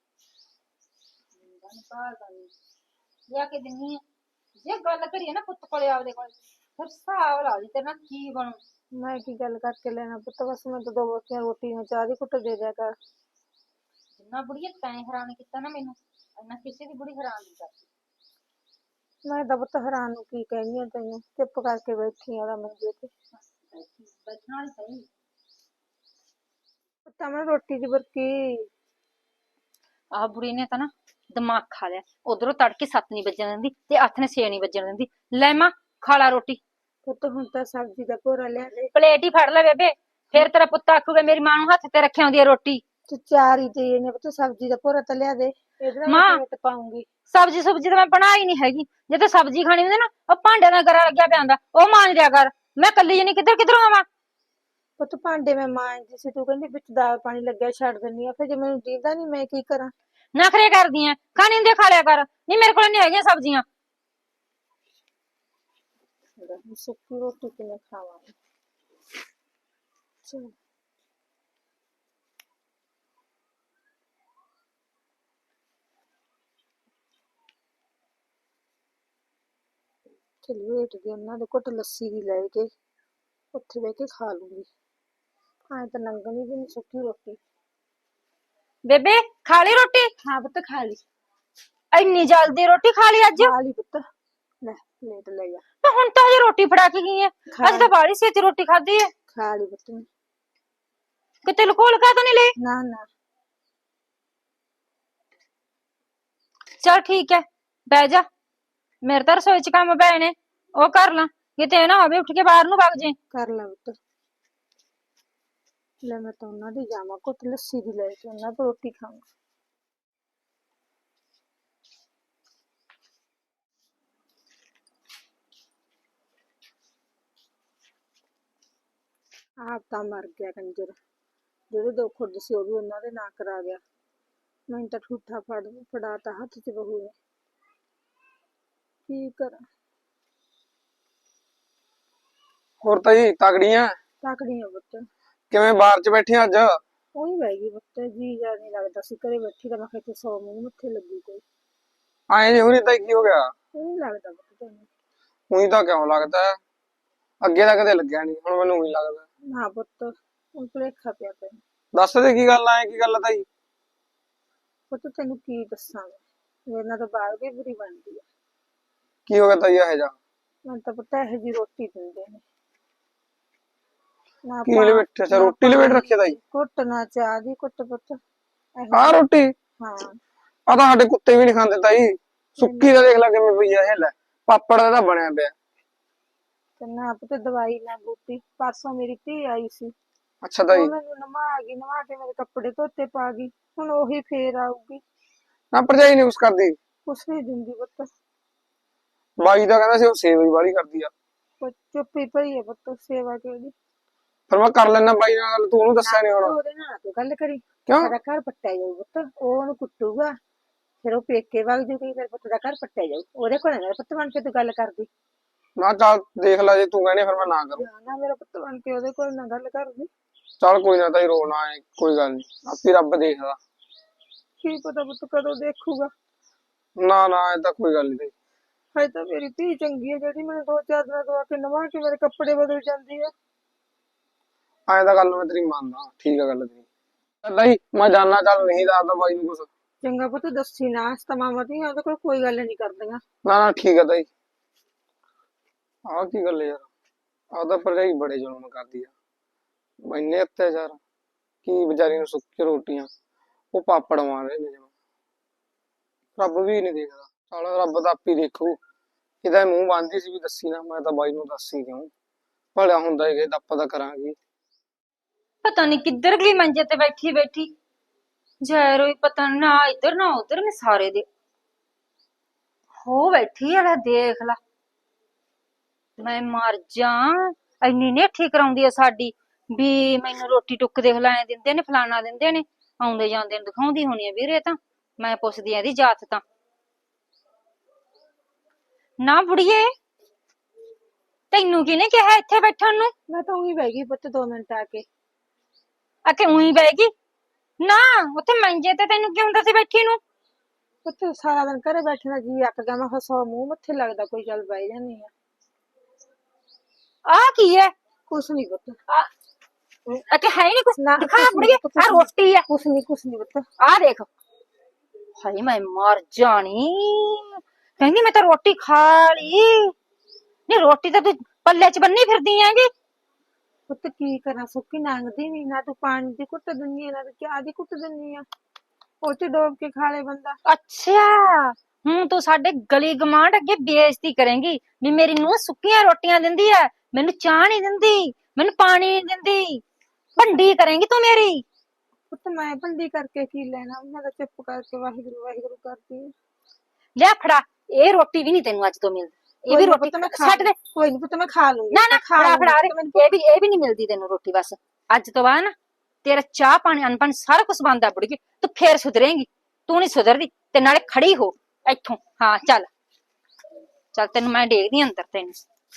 B: ਲਿਆ ਕੇ ਦਿੰਨੀ ਆ। ਜੇ ਗੱਲ ਕਰੀਏ ਨਾ ਪੁੱਤ ਕੋਲੇ ਆਪਦੇ ਕੋਲ, ਫਿਰ ਹਿਸਾਬ ਲਾ ਲਈ ਤੇਰੇ ਨਾਲ ਕੀ ਬਣੂ।
A: ਮੈਂ ਕੀ ਗੱਲ ਕਰਕੇ ਲੈਣਾ ਪੁੱਤ, ਬਸ ਮੈਂ ਤਾਂ ਦੋ ਬੋਤੀਆਂ ਰੋਟੀ ਨੂੰ ਚਾਹ ਦੀ ਕੁੱਟ ਦੇ ਦਿਆ ਕਰ।
B: ਜਿੰਨਾ ਬੁੜੀਏ ਤੈਂ ਹੈਰਾਨ ਕੀਤਾ ਨਾ ਮੈਨੂੰ, ਇੰਨਾ ਕਿਸੇ ਦੀ ਬੁੜੀ ਹੈਰਾਨ ਨਹੀਂ ਕਰਦੀ।
A: ਮੈਂ ਤਾਂ ਪੁੱਤ ਹੈਰਾਨ ਨੂੰ ਕੀ ਕਹਿੰਦੀ ਆ ਤੈਨੂੰ, ਚੁੱਪ ਕਰਕੇ ਬੈਠੀ ਆ ਮੰਜੇ ਤੇ।
B: ਬੈਠਣਾ ਨਹੀਂ ਸਹੀ।
A: ਪੁੱਤਾਂ ਮੈਂ ਰੋਟੀ ਦੀ ਬੁਰਕੀ।
B: ਆਹ ਬੁੜੀ ਨੇ ਤਾਂ ਨਾ ਦਿਮਾਗ ਖਾ ਲਿਆ, ਉਧਰੋਂ ਤੜਕੇ 7 ਨਹੀਂ ਵੱਜਣ ਦਿੰਦੀ ਤੇ ਹੱਥ ਨੇ 6 ਨਹੀਂ ਵੱਜਣ ਦਿੰਦੀ। ਲੈ ਮਾਂ ਖਾ ਲਾ ਰੋਟੀ।
A: ਪੁੱਤ ਹੁਣ ਤਾਂ ਸਬਜ਼ੀ ਦਾ ਭੋਰਾ ਲਿਆ ਦੇ।
B: ਪਲੇਟ ਹੀ ਫੜ ਲੈ ਬੇਬੇ, ਫਿਰ ਤੇਰਾ ਪੁੱਤ ਆਖੂਗਾ ਮੇਰੀ ਮਾਂ ਨੂੰ ਹੱਥ ਤੇ ਰੱਖਿਆ ਹੁੰਦੀ ਹੈ ਰੋਟੀ।
A: ਤੂੰ ਚਾਰ ਹੀ ਦੇ ਨੇ ਪੁੱਤ, ਸਬਜ਼ੀ ਦਾ ਭੋਰਾ ਤਾਂ ਲਿਆ ਦੇ। ਇਹਦੇ ਨਾਲ
B: ਮਾਂ।
A: ਕਿਵੇਂ ਟਪਾਉਂਗੀ?
B: ਸਬਜ਼ੀ ਸੁਬਜੀ ਤਾਂ ਮੈਂ ਬਣਾਈ ਨਹੀਂ ਹੈਗੀ। ਜੇ ਤੇ ਸਬਜ਼ੀ ਖਾਣੀ ਹੁੰਦੀ ਨਾ ਉਹ ਭਾਂਡੇ ਦਾ ਗਰਾ ਲੱਗਿਆ ਪਿਆ ਹੁੰਦਾ, ਉਹ ਮਾਂਜ ਦਿਆ ਕਰ। ਮੈਂ ਕੱਲੀ ਜਣੀ ਕਿੱਧਰ ਕਿੱਧਰੋਂ ਆਵਾਂ?
A: ਪੁੱਤ ਭਾਂਡੇ ਮੈਂ ਮਾਂਜਦੀ ਸੀ, ਤੂੰ ਕਹਿੰਦੀ ਵਿੱਚ ਦਾਲ ਪਾਣੀ ਲੱਗਿਆ ਛੱਡ ਦਿੰਨੀ ਆ, ਫਿਰ ਜੇ ਮੈਨੂੰ ਦੀਦਾ ਨਹੀਂ ਮੈਂ ਕੀ ਕਰਾਂ?
B: ਨਖਰੇ ਕਰਦੀ ਐ, ਖਾਣੀ ਹੁੰਦੀ ਆ ਖਾ ਲਿਆ ਕਰ। ਨਹੀਂ ਮੇਰੇ ਕੋਲ ਨਹੀਂ ਹੈਗੀਆਂ ਸਬਜ਼ੀਆਂ।
A: ਸੁੱਕੀ ਰੋਟੀ ਕਿਵੇਂ ਖਾਵਾਂ? ਚਲ ਚਲ ਵੇਟ ਦੀ ਉਹਨਾਂ ਦੇ ਘੁੱਟ ਲੱਸੀ ਦੀ ਲੈ ਕੇ ਉੱਥੇ ਬਹਿ ਕੇ ਖਾ ਲੂੰਗੀ। ਐਂ ਤਾਂ ਲੰਘਣੀ ਵੀ ਨਹੀਂ ਸੁੱਕੀ ਰੋਟੀ।
B: ਬੇਬੇ ਖਾ ਲਈ ਰੋਟੀ?
A: ਹਾਂ ਪੁੱਤ ਖਾ ਲਈ।
B: ਇੰਨੀ ਜਲਦੀ ਰੋਟੀ ਖਾ ਲਈ ਅੱਜ?
A: ਖਾ ਲਈ ਪੁੱਤ, ਲੈ ਪਲੇਟ ਲੈ ਜਾ।
B: ਤੇ ਹੁਣ ਤਾਂ ਹਜੇ ਰੋਟੀ ਫੜਾ ਕੇ ਗਈ ਐ। ਅੱਜ ਤਾਂ ਬਾਹਲੀ ਛੇਤੀ ਰੋਟੀ ਖਾਧੀ ਐ।
A: ਖਾ ਲਈ ਪੁੱਤ ਨੇ।
B: ਕਿਤੇ ਲੁਕੋ ਲਕਾ ਤਾਂ ਨਹੀਂ ਲਈ?
A: ਨਾ ਨਾ।
B: ਚਲ ਠੀਕ ਐ, ਬਹਿ ਜਾ। ਮੇਰੇ ਤਾਂ ਰਸੋਈ ਚ ਕੰਮ ਪਏ ਨੇ, ਉਹ ਕਰ ਲਾਂ। ਕਿਤੇ ਇਹ ਨਾ ਹੋਵੇ ਉੱਠ ਕੇ ਬਾਹਰ ਨੂੰ ਵਗ ਜੇ।
A: ਕਰ ਲੈ ਪੁੱਤ। ਲੈ ਮੈਂ ਤਾਂ ਉਹਨਾਂ ਦੀ ਜਾਵਾਂ ਘੁੱਟ ਲੱਸੀ ਦੀ ਲੈ ਕੇ, ਉਹਨਾਂ ਤੋਂ ਰੋਟੀ ਖਾਵਾਂ। ਆਪ ਤਾਂ ਮਰ ਗਿਆ ਕੰਜਰ, ਜਿਹੜੇ ਦੋ ਖੁੱਡ ਸੀ ਉਹ ਵੀ ਉਹਨਾਂ ਦੇ ਨਾਂ ਕਰਾ ਗਿਆ। ਮੈਨੂੰ ਤਾਂ ਠੂਠਾ ਫੜਾਤਾ ਹੱਥ 'ਚ ਬਹੂ ਨੇ, ਕੀ ਕਰਾਂ?
D: ਹੋਰ ਤਾਈ ਤਗੜੀਆਂ?
A: ਤਾਕੜੀਆਂ ਪੁੱਤ।
D: ਕਿਵੇਂ ਬਾਹਰ ਚ ਬੈਠੀ ਅੱਜ?
A: ਉਹੀ ਬਹਿ ਗਈ ਪੁੱਤ, ਜੀ ਜਾ ਨਹੀਂ ਲੱਗਦਾ ਸੀ ਘਰੇ ਬੈਠੀ ਤਾਂ। ਮੈਂ ਕਿਹਾ 100 ਮੂੰਹ ਮੱਥੇ ਲੱਗੀ ਕੋਈ।
D: ਆਏ ਨਹੀਂ ਹੋਣੀ ਤਾਈ, ਕੀ ਹੋ ਗਿਆ?
A: ਉਹ ਨਹੀਂ ਲੱਗਦਾ ਪੁੱਤ ਤੈਨੂੰ?
D: ਉਹੀ ਤਾਂ ਕਿਉਂ ਲੱਗਦਾ ਹੈ? ਅੱਗੇ ਤਾਂ ਕਦੇ ਲੱਗਿਆ ਨਹੀਂ, ਹੁਣ ਮੈਨੂੰ ਉਹੀ ਲੱਗਦਾ।
A: ਨਾ ਪੁੱਤ ਹੁਣ ਭੁਲੇਖਾ ਪਿਆ ਤੈਨੂੰ।
D: ਦੱਸ ਦੇ ਕੀ ਗੱਲ ਆਏ, ਕੀ ਗੱਲ ਆ ਤਾਈ?
A: ਪੁੱਤ ਤੈਨੂੰ ਕੀ ਦੱਸਾਂ ਮੈਂ, ਮੇਰੇ ਨਾਲ ਤਾਂ ਬਾਹਰ ਵੀ ਬੁਰੀ ਬਣਦੀ ਆ।
D: ਕੀ ਹੋ ਗਿਆ ਤਾਈ ਇਹ ਜਾ?
A: ਮੈਨੂੰ ਤਾਂ ਪਤਾ ਇਹੋ ਜਿਹੀ ਰੋਟੀ ਦਿੰਦੇ ਨੇ ਨਾ।
D: ਕੀ ਲਵੇਟ ਅੱਛਾ ਰੋਟੀ ਲਵੇਟ ਰੱਖਿਆ ਤਾਈ?
A: ਘੁੱਟ ਨਾ ਚਾਹ ਦੀ ਘੁੱਟ ਪੁੱਤ।
D: ਆਹ ਰੋਟੀ?
A: ਹਾਂ
D: ਆ ਤਾਂ ਸਾਡੇ ਕੁੱਤੇ ਵੀ ਨਹੀਂ ਖਾਂਦੇ ਤਾਈ। ਸੁੱਕੀ ਦਾ ਦੇਖ ਲੈ ਕਿਵੇਂ ਪਈ ਆ ਇਹ। ਲੈ ਪਾਪੜ ਦਾ ਤਾਂ ਬਣਿਆ ਪਿਆ।
A: ਤੇ ਨਾ ਪੁੱਤ ਦਵਾਈ ਨਾ ਬੂਟੀ। ਪਰਸੋਂ ਮੇਰੀ ਧੀ ਆਈ ਸੀ,
D: ਅੱਛਾ ਤਾਈ।
A: ਉਹ ਮੈਨੂੰ ਨਵਾ ਗਈ, ਨਵਾ ਕੇ ਮੇਰੇ ਕੱਪੜੇ ਧੋਤੇ ਪਾ ਗਈ। ਹੁਣ ਉਹੀ ਫੇਰ ਆਊਗੀ।
D: ਨਾ ਭਰਜਾਈ ਨਹੀਂ ਕੁਛ ਕਰਦੀ?
A: ਕੁਛ ਨਹੀਂ ਦਿੰਦੀ ਪੁੱਤ।
D: ਬਾਈ ਤਾਂ ਕਹਿੰਦਾ ਸੀ ਉਹ ਸੇਵਾ ਹੀ ਵਾਲੀ ਕਰਦੀ ਆ।
A: ਚੁੱਪੀ ਪਈ ਹੈ ਪੁੱਤ, ਸੇਵਾ ਕਿਹੜੀ?
D: ਫਿਰ ਮੈਂ ਕਰ ਲੈਣਾ ਬਾਈ ਨਾਲ ਗੱਲ, ਤੂੰ ਉਹਨੂੰ ਦੱਸਿਆ ਨਹੀਂ ਹੁਣ?
A: ਉਹਦੇ ਨਾਲ ਤੂੰ ਗੱਲ ਕਰੀ।
D: ਕਿਉਂ?
A: ਸਾਡਾ ਘਰ ਪੱਟਿਆ ਜਾਊ ਪੁੱਤ, ਉਹ ਉਹਨੂੰ ਕੁੱਟੂਗਾ, ਫਿਰ ਉਹ ਪੇਕੇ ਵਗ ਜੂਗੀ, ਫਿਰ ਪੁੱਤ ਦਾ ਘਰ ਪੱਟਿਆ ਜਾਊ। ਉਹਦੇ ਕੋਲ ਨਾ ਪੁੱਤ ਬਣ ਕੇ ਤੂੰ ਗੱਲ ਕਰਦੀ।
D: ਨਾ ਚੱਲ ਦੇਖ ਲੈ, ਜੇ ਤੂੰ ਕਹਿੰਦੀ ਫਿਰ ਮੈਂ ਨਾ ਕਰੂੰ।
A: ਨਾ ਮੇਰਾ ਪੁੱਤ ਬਣ ਕੇ ਉਹਦੇ ਕੋਲ ਨਾ ਗੱਲ ਕਰਦੀ।
D: ਚੱਲ ਕੋਈ ਨਾ ਤਾਈ, ਰੋ ਨਾ ਆਏ, ਕੋਈ ਗੱਲ ਨਹੀਂ, ਆਪੇ ਰੱਬ ਦੇਖਦਾ।
A: ਕੀ ਪਤਾ ਪੁੱਤ ਕਦੋਂ ਦੇਖੂਗਾ।
D: ਨਾ ਨਾ ਇਹ ਤਾਂ ਕੋਈ ਗੱਲ ਨਹੀਂ।
A: ਹਜੇ ਤਾਂ ਮੇਰੀ ਧੀ ਚੰਗੀ ਹੈ ਜਿਹੜੀ ਮੈਨੂੰ 2-4 ਦਿਨਾਂ ਤੋਂ ਆ ਕੇ ਨਵਾ ਕੇ ਮੇਰੇ ਕੱਪੜੇ ਬਦਲ ਜਾਂਦੀ ਹੈ।
D: ਐਂ ਤਾਂ ਗੱਲ ਮੈਂ ਤੇਰੀ ਮੰਨਦਾ, ਠੀਕ ਆ ਗੱਲ ਤੇਰੀ। ਚੱਲ ਤਾਈ ਮੈਂ ਜਾਣਾ, ਚੱਲ ਨਹੀਂ ਦੱਸਦਾ ਬਾਈ ਨੂੰ ਕੁਛ।
A: ਚੰਗਾ ਪੁੱਤ ਦੱਸੀ ਨਾ, ਮਾਮਾ ਧੀ ਉਹਦੇ ਕੋਲ ਕੋਈ ਗੱਲ ਨਹੀਂ ਕਰਦੀਆਂ।
D: ਨਾ ਨਾ ਠੀਕ ਆ ਤਾਈ। ਆਹ ਕੀ ਗੱਲ ਯਾਰ, ਆਹ ਤਾਂ ਭਰਜਾਈ ਬੜੇ ਜ਼ੁਲਮ ਕਰਦੀ ਆ, ਇੰਨੇ ਅਤਿਆਚਾਰ। ਕੀ ਵਿਚਾਰੀ ਨੂੰ ਸੁੱਕੀ ਰੋਟੀਆਂ, ਉਹ ਪਾਪੜ ਮਾਰ ਰਹੇ ਨੇ ਜਿਵੇਂ। ਰੱਬ ਵੀ ਨਹੀਂ ਦੇਖਦਾ। ਚੱਲ ਰੱਬ ਤਾਂ ਆਪੇ ਦੇਖੂ। ਇਹਦਾ ਮੂੰਹ ਬੰਨਦੀ ਸੀ ਵੀ ਦੱਸੀ ਨਾ, ਮੈਂ ਤਾਂ ਬਾਈ ਨੂੰ ਦੱਸੀ ਕਿਉਂ? ਭਲਿਆ ਹੁੰਦਾ ਇਹ ਤਾਂ ਆਪਾਂ ਤਾਂ ਕਰਾਂਗੇ।
B: ਪਤਾ ਨਹੀਂ ਕਿੱਧਰ ਗਈ ਮੰਜੇ ਤੇ ਬੈਠੀ ਬੈਠੀ। ਜੈ ਰੋਈ ਪਤਾ ਨੀ, ਨਾ ਇੱਧਰ ਨਾ ਉੱਧਰ ਨੇ ਸਾਰੇ ਦੇ ਹੋ ਬੈਠੀ ਆ। ਲੈ ਦੇਖ ਲਾ, ਮੈਂ ਮਰ ਜਾ। ਇੰਨੀ ਨੇਠੀ ਕਰਾਉਂਦੀ ਆ ਸਾਡੀ ਵੀ ਮੈਨੂੰ ਰੋਟੀ ਟੁੱਕ ਦੇਖ ਲੈ ਦਿੰਦੇ ਨੇ, ਫਲਾਣਾ ਦਿੰਦੇ ਨੇ, ਆਉਂਦੇ ਜਾਂਦੇ ਨੂੰ ਦਿਖਾਉਂਦੀ ਹੋਣੀ ਆ ਵੀਰੇ। ਤਾਂ ਮੈਂ ਪੁੱਛਦੀ ਆ ਇਹਦੀ ਜਾਤ ਤਾਂ। ਨਾ ਬੁੜੀਏ, ਤੈਨੂੰ ਕਿਹਨੇ ਕਿਹਾ ਇੱਥੇ ਬੈਠਣ ਨੂੰ?
A: ਮੈਂ ਤਾਂ ਉਹੀ ਬਹਿ ਗਈ ਪੁੱਤ 2 ਮਿੰਟ ਆ ਕੇ।
B: ਆਕੇ ਉਹੀ ਬਹਿ ਗਈ? ਨਾ ਉੱਥੇ ਮੰਜੇ ਤੇ ਤੈਨੂੰ ਕੀ ਹੁੰਦਾ ਸੀ ਬੈਠੀ ਨੂੰ?
A: ਪੁੱਤ ਸਾਰਾ ਦਿਨ ਘਰੇ ਬੈਠਣਾ ਜੀ ਅੱਕ ਗਿਆ। ਮੈਂ 100 ਮੂੰਹ ਮੱਥੇ ਲੱਗਦਾ ਕੋਈ, ਚੱਲ ਬਹਿ ਜਾਂਦੀ ਆ।
B: ਆ ਕੀ ਹੈ?
A: ਕੁਛ ਨੀ ਪੁੱਤ।
B: ਆਕੇ ਹੈ ਨਹੀਂ ਕੁਛ?
A: ਨਾ
B: ਦਿਖਾ ਬੁੜੀਏ, ਆ ਰੋਟੀ ਆ।
A: ਕੁਛ ਨੀ ਪੁੱਤ।
B: ਆ ਦੇਖ। ਹਾਏ ਮੈਂ ਮਰ ਜਾਣੀ, ਕਹਿੰਦੀ ਮੈਂ ਤਾਂ ਰੋਟੀ ਖਾ ਲਈ। ਨਹੀਂ ਰੋਟੀ ਤਾਂ ਤੂੰ ਪੱਲੇ ਚ ਬੰਨੀ ਫਿਰਦੀ ਆਂਗੀ।
A: ਪੁੱਤ ਕੀ ਕਰਾਂ, ਸੁੱਕੀ ਲੰਘਦੀ ਨੀ। ਨਾ ਤੂੰ ਪਾਣੀ ਦੀ ਘੁੱਟ ਦਿੰਦੀ ਆ, ਨਾ ਤੂੰ ਚਾਹ ਦੀ ਘੁੱਟ ਦਿੰਦੀ ਆ। ਉਹ ਚ ਡੋਬ ਕੇ ਖਾ ਲੇ ਬੰਦਾ।
B: ਅੱਛਾ, ਹੁਣ ਤੂੰ ਸਾਡੇ ਗਲੀ ਗਮਾਂਡ ਅੱਗੇ ਬੇਇੱਜ਼ਤੀ ਕਰੇਂਗੀ ਵੀ ਮੇਰੀ ਨੂੰਹ ਸੁੱਕੀਆਂ ਰੋਟੀਆਂ ਦਿੰਦੀ ਐ, ਮੈਨੂੰ ਚਾਹ ਨਹੀਂ ਦਿੰਦੀ, ਮੈਨੂੰ ਪਾਣੀ ਨਹੀਂ ਦਿੰਦੀ। ਭੰਡੀ ਕਰੇਂਗੀ ਤੂੰ ਮੇਰੀ।
A: ਪੁੱਤ ਮੈਂ ਭੰਡੀ ਕਰਕੇ ਕੀ ਲੈਣਾ, ਮੈਂ ਤਾਂ ਚੁੱਪ ਕਰਕੇ ਵਾਹਿਗੁਰੂ ਵਾਹਿਗੁਰੂ ਕਰਦੀ ਆ।
B: ਲਿਆ ਫੜਾ, ਇਹ ਰੋਟੀ ਵੀ ਨਹੀਂ ਤੈਨੂੰ ਅੱਜ ਤੋਂ ਮਿਲਦੀ। ਇਹ ਵੀ ਰੋਟੀ ਛੱਡ ਦੇ।
A: ਕੋਈ ਨਹੀਂ ਪੁੱਤ ਮੈਂ ਖਾ ਲੂੰਗੀ।
B: ਨਾ ਨਾ
A: ਖਾ
B: ਫੜਾ
A: ਲੂੰਗੀ
B: ਫੜਾ
A: ਪੁੱਤ, ਮੈਨੂੰ
B: ਇਹ ਵੀ ਨਹੀਂ ਮਿਲਦੀ ਤੈਨੂੰ ਰੋਟੀ। ਬਸ ਅੱਜ ਤੋਂ ਬਾਅਦ ਨਾ ਤੇਰਾ ਚਾਹ ਪਾਣੀ ਅਨਪਨ ਸਾਰਾ ਕੁਝ ਬੰਦ ਆ ਬੁੜੀਏ। ਤੂੰ ਫੇਰ ਸੁਧਰੇਂਗੀ, ਤੂੰ ਨਹੀਂ ਸੁਧਰਦੀ। ਤੇ ਨਾਲੇ ਖੜੀ ਹੋ ਇੱਥੋਂ। ਹਾਂ ਚੱਲ ਚੱਲ, ਤੈਨੂੰ ਮੈਂ ਦੇਖਦੀ ਅੰਦਰ ਤੈਨੂੰ।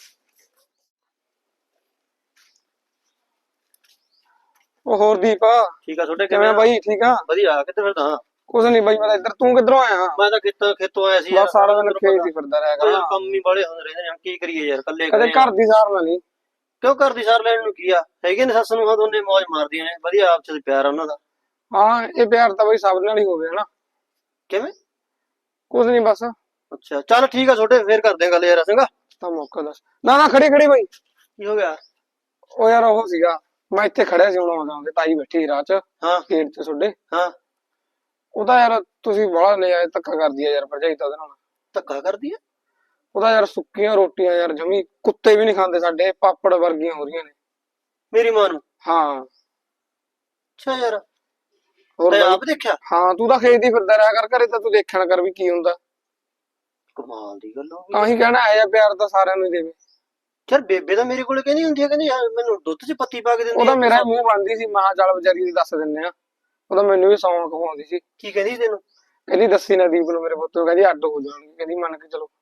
D: ਉਹ ਹੋਰ ਦੀਪ
C: ਠੀਕ ਆ ਤੁਹਾਡੇ
D: ਕਿਵੇਂ ਬਾਈ? ਠੀਕ ਆ
C: ਵਧੀਆ। ਕਿੱਥੇ ਫਿਰਦਾ?
D: ਕੁਛ ਨਹੀਂ ਬਾਈ, ਮੈਂ ਤਾਂ ਇੱਧਰ। ਤੂੰ ਕਿੱਧਰੋਂ ਆਇਆ?
C: ਮੈਂ ਤਾਂ ਖੇਤੋਂ ਆਇਆ ਸੀ
D: ਬਸ ਸਾਰਾ ਦਿਨ ਖੇਤ ਹੀ ਫਿਰਦਾ ਰਿਹਾ
C: ਯਾਰ,
D: ਕਰ।
C: ਕੰਮ ਹੀ ਬੜੇ ਹੁੰਦੇ ਰਹਿੰਦੇ ਨੇ, ਕੀ ਕਰੀਏ ਯਾਰ, ਕੱਲੇ
D: ਕਦੇ ਘਰ ਦੀ ਸਾਰ ਨਾ ਲਈ।
C: ਕਿਉਂ ਘਰ ਦੀ ਸਾਰ ਲੈਣ ਨੂੰ ਕੀ ਆ? ਹੈਗੇ ਨੇ ਸੱਸ ਨੂੰ ਦੋਨੇ ਮौज ਮਾਰਦੀਆਂ ਨੇ, ਵਧੀਆ ਆਪਸ ਵਿੱਚ ਪਿਆਰ ਆ ਉਹਨਾਂ ਦਾ।
D: ਹਾਂ ਇਹ ਪਿਆਰ ਤਾਂ ਬਾਈ ਸਭ ਨਾਲ ਹੀ ਹੋਵੇ ਹਨਾ।
C: ਕਿਵੇਂ?
D: ਕੁਛ ਨਹੀਂ ਬਸ।
C: ਅੱਛਾ ਚੱਲ ਠੀਕ ਆ ਛੋਟੇ, ਫੇਰ ਕਰਦੇ ਆ ਗੱਲ ਯਾਰ। ਚੰਗਾ
D: ਤਾਂ ਮੌਕਾ ਦੱਸ। ਨਾ ਨਾ ਖੜੀ ਖੜੀ ਬਾਈ।
C: ਕੀ ਹੋ ਗਿਆ?
D: ਉਹ ਯਾਰ ਉਹ ਸੀਗਾ, ਮੈਂ ਇੱਥੇ ਖੜਿਆ ਸੀ, ਹੁਣ ਆਉਂਦਾ ਆਉਂਦੇ ਤਾਈ ਬੈਠੀ ਸੀ ਰਾਹ 'ਚ
C: ਹਾਂ
D: ਗੇਟ 'ਚ ਤੁਹਾਡੇ।
C: ਹਾਂ।
D: ਉਹਦਾ ਯਾਰ ਤੁਸੀਂ ਬੜਾ ਲੈ ਆਏ, ਧੱਕਾ ਕਰਦੀ ਆ ਯਾਰ ਭਰਜਾਈ ਤਾਂ ਉਹਦੇ ਨਾਲ।
C: ਧੱਕਾ ਕਰਦੀ ਆ?
D: ਉਹਦਾ ਯਾਰ ਸੁੱਕੀਆਂ ਰੋਟੀਆਂ ਯਾਰ ਜਮੀ ਕੁੱਤੇ ਵੀ ਨਹੀਂ ਖਾਂਦੇ ਸਾਡੇ, ਪਾਪੜ ਵਰਗੀਆਂ ਹੋ ਰਹੀਆਂ ਨੇ।
C: ਮੇਰੀ ਮਾਂ ਨੂੰ?
D: ਹਾਂ।
C: ਅੱਛਾ ਯਾਰ,
D: ਹੋਰ
C: ਮੈਂ
D: ਬਾਈ?
C: ਆਪ ਦੇਖਿਆ।
D: ਹਾਂ ਤੂੰ ਤਾਂ ਖੇਤ ਹੀ ਫਿਰਦਾ ਰਿਹਾ ਕਰ, ਘਰੇ ਤਾਂ ਤੂੰ ਦੇਖਿਆ ਨਾ ਕਰ ਵੀ ਕੀ ਹੁੰਦਾ।
C: ਕਮਾਲ ਦੀ ਗੱਲ ਹੋ ਗਈ।
D: ਤਾਂ ਹੀ ਕਹਿਣਾ ਆਇਆ ਪਿਆਰ ਤਾਂ ਸਾਰਿਆਂ ਨੂੰ ਹੀ ਦੇਵੇ।
C: ਯਾਰ ਬੇਬੇ ਤਾਂ ਮੇਰੇ ਕੋਲੇ ਕਹਿੰਦੀ ਹੁੰਦੀ ਆ, ਕਹਿੰਦੀ ਯਾਰ ਮੈਨੂੰ ਦੁੱਧ 'ਚ ਪੱਤੀ ਪਾ ਕੇ ਦਿੰਦੀ
D: ਉਹਦਾ
C: ਆ।
D: ਮੇਰਾ ਮੂੰਹ ਬੰਦੀ ਸੀ, ਮਹਾ ਚੱਲ ਵਿਚਾਰੀ ਦੀ ਦੱਸ ਦਿੰਨੇ ਆ। ਉਹਦਾ ਮੈਨੂੰ ਵੀ ਸੌਂਕ ਖਵਾਉਂਦੀ ਸੀ।
C: ਕੀ ਕਹਿੰਦੀ ਤੈਨੂੰ?
D: ਕਹਿੰਦੀ ਦੱਸੀ ਨਾ ਦੀਪ ਨੂੰ ਮੇਰੇ ਪੁੱਤ ਨੂੰ, ਕਹਿੰਦੀ ਅੱਡ ਹੋ ਜਾਣਗੇ, ਕਹਿੰਦੀ ਮੰਨ ਕੇ ਚਲੋ।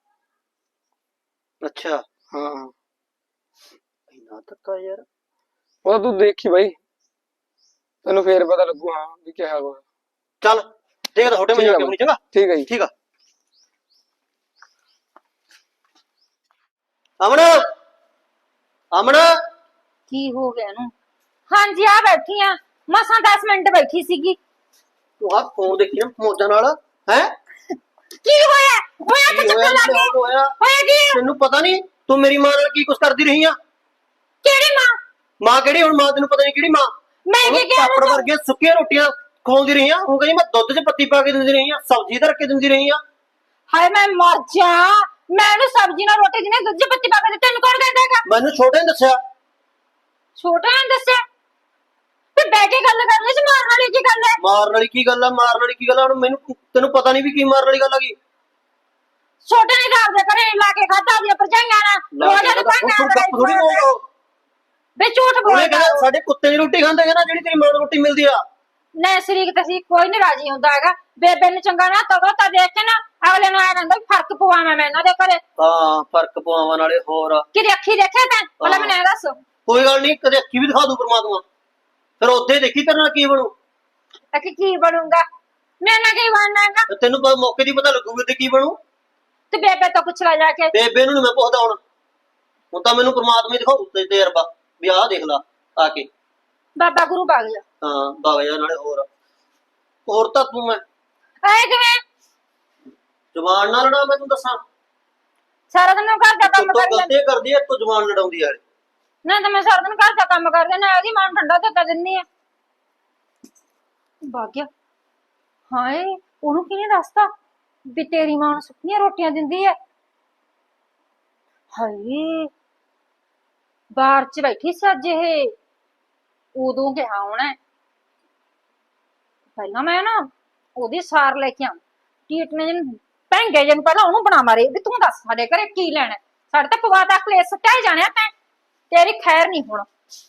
C: ਅੱਛਾ।
D: ਹਾਂ
C: ਇੰਨਾ ਧੱਕਾ ਯਾਰ।
D: ਉਹਦਾ ਤੂੰ ਦੇਖੀ ਬਾਈ, ਤੈਨੂੰ ਫੇਰ ਪਤਾ ਲੱਗੂ ਹਾਂ ਵੀ ਕਿਹਾ ਹੋਇਆ।
C: ਚੱਲ ਦੇਖਦਾ ਛੋਟੇ ਮੈਂ ਜਾ ਕੇ ਆਉਣੀ। ਚੰਗਾ
D: ਠੀਕ ਹੈ ਜੀ।
C: ਠੀਕ ਆ। ਅਮਨ, ਅਮਨ
B: ਕੀ ਹੋ ਗਿਆ ਇਹਨੂੰ? ਹਾਂਜੀ ਆ ਬੈਠੀ ਆ, ਮਸਾਂ 10 ਮਿੰਟ ਬੈਠੀ ਸੀਗੀ।
C: ਤੂੰ ਆ ਫੋਨ ਦੇਖੀ ਨਾ ਮੋਜਾਂ ਨਾਲ ਹੈ?
B: ਕੀ ਹੋਇਆ? ਹੋਇਆ ਤਾਂ ਚੱਕਰ ਲੱਗ ਗਏ।
C: ਹੋਇਆ
B: ਕੀ?
C: ਤੈਨੂੰ ਪਤਾ ਨਹੀਂ ਤੂੰ ਮੇਰੀ ਮਾਂ ਨਾਲ ਕੀ ਕੁਛ ਕਰਦੀ ਰਹੀ ਆ?
B: ਕਿਹੜੀ ਮਾਂ?
C: ਮਾਂ ਕਿਹੜੀ? ਹੁਣ ਮਾਂ ਤੈਨੂੰ ਪਤਾ ਨਹੀਂ ਕਿਹੜੀ ਮਾਂ।
B: ਮੈਂ ਕੀ ਕਿਹਾ?
C: ਪਾਪੜ ਵਰਗੀਆਂ ਸੁੱਕੀਆਂ ਰੋਟੀਆਂ ਖਵਾਉਂਦੀ ਰਹੀ ਆ। ਉਹ ਕਹਿੰਦੀ ਮੈਂ ਦੁੱਧ 'ਚ ਪੱਤੀ ਪਾ ਕੇ ਦਿੰਦੀ ਰਹੀ ਆ, ਸਬਜ਼ੀ ਧਰ ਕੇ ਦਿੰਦੀ ਰਹੀ ਆ।
B: ਹਾਏ ਮੈਂ ਮਰ ਜਾ। ਮੈਂ ਉਹਨੂੰ ਸਬਜ਼ੀ ਨਾਲ ਰੋਟੀ ਦਿਨੇ ਦੁੱਧ 'ਚ ਪੱਤੀ ਪਾ ਕੇ ਦਿੱਤੀ, ਤੈਨੂੰ ਕੌਣ ਕਹਿੰਦਾ ਹੈਗਾ?
C: ਮੈਨੂੰ ਛੋਟੇ ਨੇ ਦੱਸਿਆ।
B: ਛੋਟਾ ਨੇ ਦੱਸਿਆ? ਤੇ ਬਹਿ ਕੇ ਗੱਲ ਕਰਨੀ ਸੀ, ਮਾਰਨ ਵਾਲੀ ਕੀ ਗੱਲ ਹੈ?
C: ਮਾਰਨ ਵਾਲੀ ਕੀ ਗੱਲ ਆ? ਮਾਰਨ ਵਾਲੀ ਕੀ ਗੱਲ ਆ? ਹੁਣ ਮੈਨੂੰ ਤੈਨੂੰ ਪਤਾ ਨਹੀਂ ਵੀ ਕੀ ਮਾਰਨ ਵਾਲੀ ਗੱਲ ਆ ਗਈ।
B: ਛੋਟੇ ਨੇ ਤਾਂ ਆਪਦੇ ਘਰੇ ਲਾ ਕੇ ਖਾਧਾ ਦੀਆਂ ਪਰਜਾਈਆਂ ਨਾਲ। ਰੋਜ਼ ਦੇ
C: ਥੋੜੀ ਬੋਲੋ।
B: ਬੇ ਝੂਠ
C: ਉਹਨੇ
B: ਬੋਲਦਾ।
C: ਕਹਿੰਦਾ ਸਾਡੇ ਕੁੱਤੇ ਦੀ ਰੋਟੀ ਖਾਂਦੇ ਹੈ ਨਾ, ਜਿਹੜੀ ਤੇਰੀ ਮਾਂ ਨੂੰ ਰੋਟੀ ਮਿਲਦੀ ਆ।
B: ਨਾ ਸ਼ਰੀਕ ਤਸੀਂ ਕੋਈ ਨਹੀਂ ਰਾਜੀ ਹੁੰਦਾ ਹੈਗਾ। ਬੇਬੇ ਨੂੰ ਚੰਗਾ ਨਾ ਤਗੋ ਤਾਂ ਦੇਖ ਕੇ ਨਾ ਅਗਲੇ ਨੂੰ ਆਇਆ ਕਹਿੰਦਾ ਫਰਕ ਪਵਾਵਾਂ ਮੈਂ ਇਹਨਾਂ ਦੇ ਘਰੇ।
C: ਹਾਂ ਫਰਕ ਪਵਾਵਾਂ ਨਾਲੇ ਹੋਰ
B: ਕਿਹਦੀ ਅੱਖੀ ਦੇਖਿਆ ਤੈਂ? ਪਹਿਲਾਂ ਮੈਨੂੰ ਇਹ ਦੱਸ।
C: ਕੋਈ ਗੱਲ ਨਹੀਂ, ਕਦੇ ਅੱਖੀ ਵੀ ਦਿਖਾ ਦੂ ਪਰਮਾਤਮਾ, ਫਿਰ ਉੱਥੇ ਦੇਖੀ ਤੇਰੇ ਨਾਲ ਕੀ ਬਣੂ।
B: ਅੱਖੀ ਕੀ ਬਣੂਗਾ? ਮੇਰੇ ਨਾਲ ਕੀ ਬਣਨਾ ਹੈਗਾ?
C: ਤੇ ਤੈਨੂੰ ਮੌਕੇ ਦੀ ਪਤਾ ਲੱਗੂਗਾ ਤੇ ਕੀ ਬਣੂ।
B: ਤੇ ਬੇਬੇ ਤੋਂ ਪੁੱਛ ਲੈ ਜਾ ਕੇ।
C: ਬੇਬੇ ਨੂੰ ਨੀ ਮੈਂ ਪੁੱਛਦਾ ਹੁਣ ਤਾਂ ਮੈਨੂੰ ਪਰਮਾਤਮਾ ਹੀ ਦਿਖਾਊ ਤੇ ਤਜਰਬਾ ਵੀ ਆਹ ਦੇਖ ਲਾ ਆ ਕੇ।
B: ਬਾਬਾ ਗੁਰੂ ਬਾਗ ਜਾ।
C: ਹਾਂ ਬਾਬਾ ਨਾਲੇ ਹੋਰ ਤਾਂ ਤੂੰ ਮੈਂ
B: ਐ ਕਿਵੇਂ
C: ਜਵਾਨ ਨਾਲ ਲੜਾ? ਮੈਂ ਤੈਨੂੰ ਦੱਸਾਂ
B: ਸਾਰਾ ਦਿਨ ਘਰ ਦਾ ਕੰਮ
C: ਤੂੰ
B: ਕਰੀ ਜਾਂਦੀ।
C: ਗਲਤੀ ਕਰਦੀ ਐ, ਤੂੰ ਜਵਾਨ ਲੜਾਉਂਦੀ ਯਾਰ।
B: ਨਾ ਤਾਂ ਮੈਂ ਸਾਰਾ ਦਿਨ ਘਰ ਦਾ ਕੰਮ ਕਰਦੀ ਨਾ ਇਹਦੀ ਮਾਂ ਨੂੰ ਠੰਡਾ ਧੱਕਾ ਦਿੰਦੀ ਆ। ਭਾਗਿਆ ਹਾਏ, ਉਹਨੂੰ ਕਿਹਨੇ ਦੱਸਤਾ ਵੀ ਤੇਰੀ ਮਾਂ ਨੂੰ ਸੁੱਕੀਆਂ ਰੋਟੀਆਂ ਦਿੰਦੀ ਐ? ਹਾਏ ਬਾਹਰ ਚ ਬੈਠੀ ਸੀ ਅੱਜ ਇਹ, ਉਦੋਂ ਕਿਹਾ ਹੋਣਾ। ਪਹਿਲਾਂ ਮੈਂ ਨਾ ਉਹਦੀ ਸਾਰ ਲੈ ਕੇ ਆਵਾਂ। ਟੀਟਨੇ ਜਿਹਨੂੰ ਭੈਂਗੇ ਜਿਹਨੂੰ ਪਹਿਲਾਂ ਉਹਨੂੰ ਬਣਾ ਮਾਰੇ ਵੀ ਤੂੰ ਦੱਸ ਸਾਡੇ ਘਰੇ ਕੀ ਲੈਣਾ? ਸਾਡੇ ਤਾਂ ਪਵਾਤਾ ਕਲੇਸ਼ ਸੱਟਿਆ ਜਾਣਿਆ ਤੈਂ, ਤੇਰੀ ਖੈਰ ਨਹੀਂ ਹੁਣ।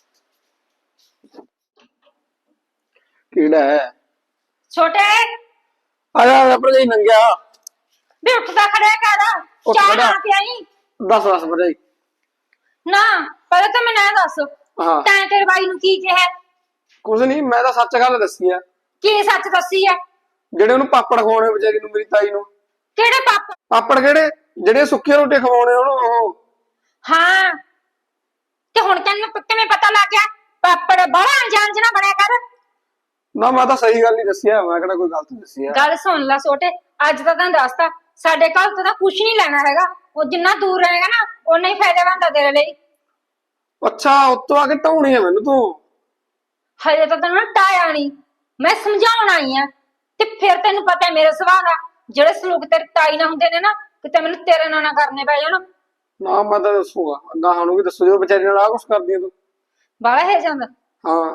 D: ਕਿਹੜਾ ਹੈ?
B: ਛੋਟੇ
D: ਆਇਆ ਭਰਜਾਈ ਨੰਗਿਆ।
B: ਵੀ ਉੱਠਦਾ ਖੜਿਆ ਕਰ,
D: ਉੱਠ
B: ਚਾਹ
D: ਖੜਾ।
B: ਨਾ ਪਿਆਈ
D: ਦੱਸ ਭਰਜਾਈ।
B: ਨਾ। ਪਹਿਲਾਂ ਤਾਂ ਮੈਨੂੰ ਇਹ ਦੱਸ
D: ਹਾਂ
B: ਤੈਂ ਤੇਰੇ ਬਾਈ ਨੂੰ ਕੀ ਕਿਹਾ?
D: ਕੁਛ ਨਹੀਂ, ਮੈਂ ਤਾਂ ਸੱਚ ਗੱਲ ਦੱਸੀ ਆ।
B: ਕੀ ਸੱਚ ਦੱਸੀ ਐ?
D: ਜਿਹੜੇ ਉਹਨੂੰ ਪਾਪੜ ਖਵਾਉਣੇ ਵਿਚਾਰੀ ਨੂੰ, ਮੇਰੀ ਤਾਈ ਨੂੰ।
B: ਕਿਹੜੇ ਪਾਪਾ?
D: ਪਾਪੜ ਕਿਹੜੇ? ਜਿਹੜੇ ਸੁੱਕੀਆਂ ਰੋਟੀਆਂ ਖਵਾਉਣੇ ਉਹਨੂੰ ਉਹ।
B: ਹਾਂ ਤੇ ਹੁਣ ਤੈਨੂੰ ਕਿਵੇਂ ਪਤਾ ਲੱਗ ਗਿਆ? ਪਾਪੜ ਬੜਾ ਅਣਜਾਣ ਜਨਾ ਬਣਿਆ ਕਰ।
D: ਨਾ ਮੈਂ ਤਾਂ ਸਹੀ ਗੱਲ ਹੀ ਦੱਸੀ ਆ, ਮੈਂ ਕਿਹੜਾ ਕੋਈ ਗਲਤ ਦੱਸੀ ਆ।
B: ਗੱਲ ਸੁਣ ਲੈ ਛੋਟੇ, ਅੱਜ ਤਾਂ ਤੈਨੂੰ ਦੱਸਤਾ ਸਾਡੇ ਘਰ ਤੋਂ ਤਾਂ ਕੁਝ ਨਹੀਂ ਲੈਣਾ ਹੈਗਾ। ਉਹ ਜਿੰਨਾ ਦੂਰ ਰਹੇਗਾ ਨਾ ਓਨਾ ਹੀ ਫਾਇਦੇਮੰਦ ਆ ਤੇਰੇ ਲਈ।
D: ਅੱਛਾ ਉੱਤੋਂ ਆ ਕੇ ਢਾਉਣੀ ਆ ਮੈਨੂੰ ਤੂੰ?
B: ਹਜੇ ਤਾਂ ਤੈਨੂੰ ਟਾਇਆ ਨਹੀਂ, ਮੈਂ ਸਮਝਾਉਣ ਆਈ ਆ। ਤੇ ਫਿਰ ਤੈਨੂੰ ਪਤਾ ਹੈ ਮੇਰੇ ਸੁਭਾਅ ਦਾ, ਜਿਹੜੇ ਸਲੂਕ ਤੇਰੀ ਤਾਈ ਨਾਲ ਹੁੰਦੇ ਨੇ ਨਾ, ਕਿਤੇ ਮੈਨੂੰ ਤੇਰੇ ਨਾਲ ਨਾ ਕਰਨੇ ਪੈ ਜਾਣ।
D: ਨਾ ਮੈਂ ਤਾਂ ਦੱਸੂਗਾ, ਗਾਹਾਂ ਨੂੰ ਵੀ ਦੱਸੂ, ਜੋ ਵਿਚਾਰੀ ਨਾਲ ਆ ਕੁਛ ਕਰਦੀ ਆ ਤੂੰ।
B: ਬਾਲਾ ਹੈ ਜਾਂਦਾ।
D: ਹਾਂ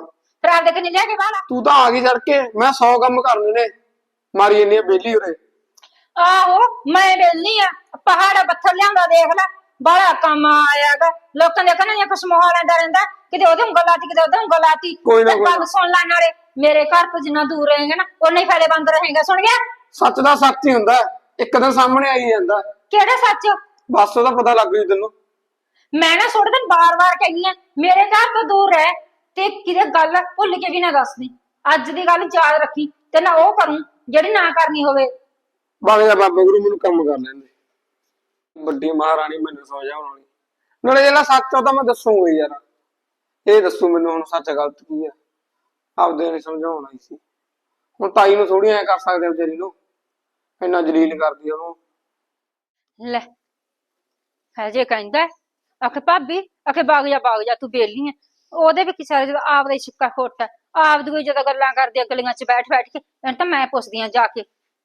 B: ਫਿਰ ਆਪਦੇ ਕਨੀ ਲਿਆ ਕੇ ਬਾਹਲਾ।
D: ਤੂੰ ਤਾਂ ਆ ਗਈ ਸੜ ਕੇ, ਮੈਂ 100 ਕੰਮ ਕਰਨੇ ਨੇ, ਮਾਰੀ ਇੰਨੀ ਬੇਲੀ ਉਰੇ।
B: ਆਹੋ ਮੈਂ ਵੇਲੀ ਆ, ਪਹਾੜਾ ਪੱਥਰ ਲਿਆਉਂਦਾ ਦੇਖ ਲੈ, ਬੜਾ ਕੰਮ ਆਇਆਗਾ। ਲੋਕਾਂ ਦੇ ਕਹਿੰਦੇ ਕੁਛ ਮੋਹ ਲੈਂਦਾ ਰਹਿੰਦਾ, ਕਿਤੇ ਉਹਦੇ ਉਂਗਲ ਲਾਤੀ ਕਿਤੇ ਉਹਦੇ ਉਂਗਲ ਲਾਤੀ।
D: ਕੋਈ ਨਾ, ਕੋਈ
B: ਗੱਲ
D: ਨਾ।
B: ਸੁਣ ਲੈ ਨਾਲੇ, ਮੇਰੇ ਘਰ ਤੋਂ ਜਿੰਨਾ ਦੂਰ ਰਹੇਗਾ ਨਾ ਉਨਾ ਹੀ ਫਾਇਦੇ ਬੰਦ ਰਹੇਗਾ, ਸੁਣ ਗਿਆ?
D: ਸੱਚ ਦਾ ਸੱਚ ਹੀ ਹੁੰਦਾ, ਇੱਕ ਦਿਨ ਸਾਹਮਣੇ ਆਈ ਜਾਂਦਾ।
B: ਕਿਹੜਾ ਸੱਚ?
D: ਬਸ ਉਹਦਾ ਪਤਾ ਲੱਗ ਜੂ ਤੈਨੂੰ।
B: ਮੈਂ ਨਾ ਥੋੜੇ ਦਿਨ ਬਾਰ-ਬਾਰ ਕਹਿੰਦੀ ਆ ਮੇਰੇ ਘਰ ਤੋਂ ਦੂਰ ਰਹਿ, ਤੇ ਕਿਤੇ ਗੱਲ ਭੁੱਲ ਕੇ ਵੀ ਨਾ ਦੱਸਦੀ। ਅੱਜ ਦੀ ਗੱਲ ਯਾਦ ਰੱਖੀ, ਤੇ ਨਾ ਉਹ ਕਰੂੰ ਜਿਹੜੀ ਨਾ ਕਰਨੀ ਹੋਵੇ।
D: ਬਾਬੇ ਦਾ ਬਾਬਾ ਗੁਰੂ ਮੈਨੂੰ ਕੰਮ ਕਰ ਲੈਂਦੇ, ਵੱਡੀ ਮਹਾਰਾਣੀ ਮੈਨੂੰ ਸਮਝਾਉਣ ਵਾਲੀ। ਨਾਲੇ ਜਿਹੜਾ ਸੱਚ ਆ ਤਾਂ ਮੈਂ ਦੱਸੂਗਾ ਹੀ ਯਾਰ, ਇਹ ਦੱਸੂ ਮੈਨੂੰ ਹੁਣ ਸੱਚ ਗਲਤ ਕੀ ਆ, ਆਪਦੇ ਨੇ ਸਮਝਾਉਣਾ ਹੀ ਸੀ। ਹੁਣ ਤਾਈ ਨੂੰ ਥੋੜੀ ਐ ਕਰ ਸਕਦੇ ਵਿਚਾਰੀ ਨੂੰ, ਇੰਨਾ ਜਲੀਲ ਕਰਦੀ ਉਹਨੂੰ।
B: ਲੈ ਹਜੇ ਕਹਿੰਦਾ ਆਖੇ ਭਾਬੀ, ਆਖੇ ਬਾਗ ਜਾ ਤੂੰ ਬੇਲੀ ਐ। ਉਹਦੇ ਵੀ ਕਿਸੇ ਜਦੋਂ ਆਪਦਾ ਹੀ ਸਿੱਕਾ ਖੋਟ ਹੈ, ਆਪਦੀ ਜਦੋਂ ਗੱਲਾਂ ਕਰਦੇ ਗਲੀਆਂ ਚ ਬੈਠ ਬੈਠ ਕੇ। ਇਹਨੂੰ ਤਾਂ ਮੈਂ ਪੁੱਛਦੀ ਆ ਜਾ ਕੇ।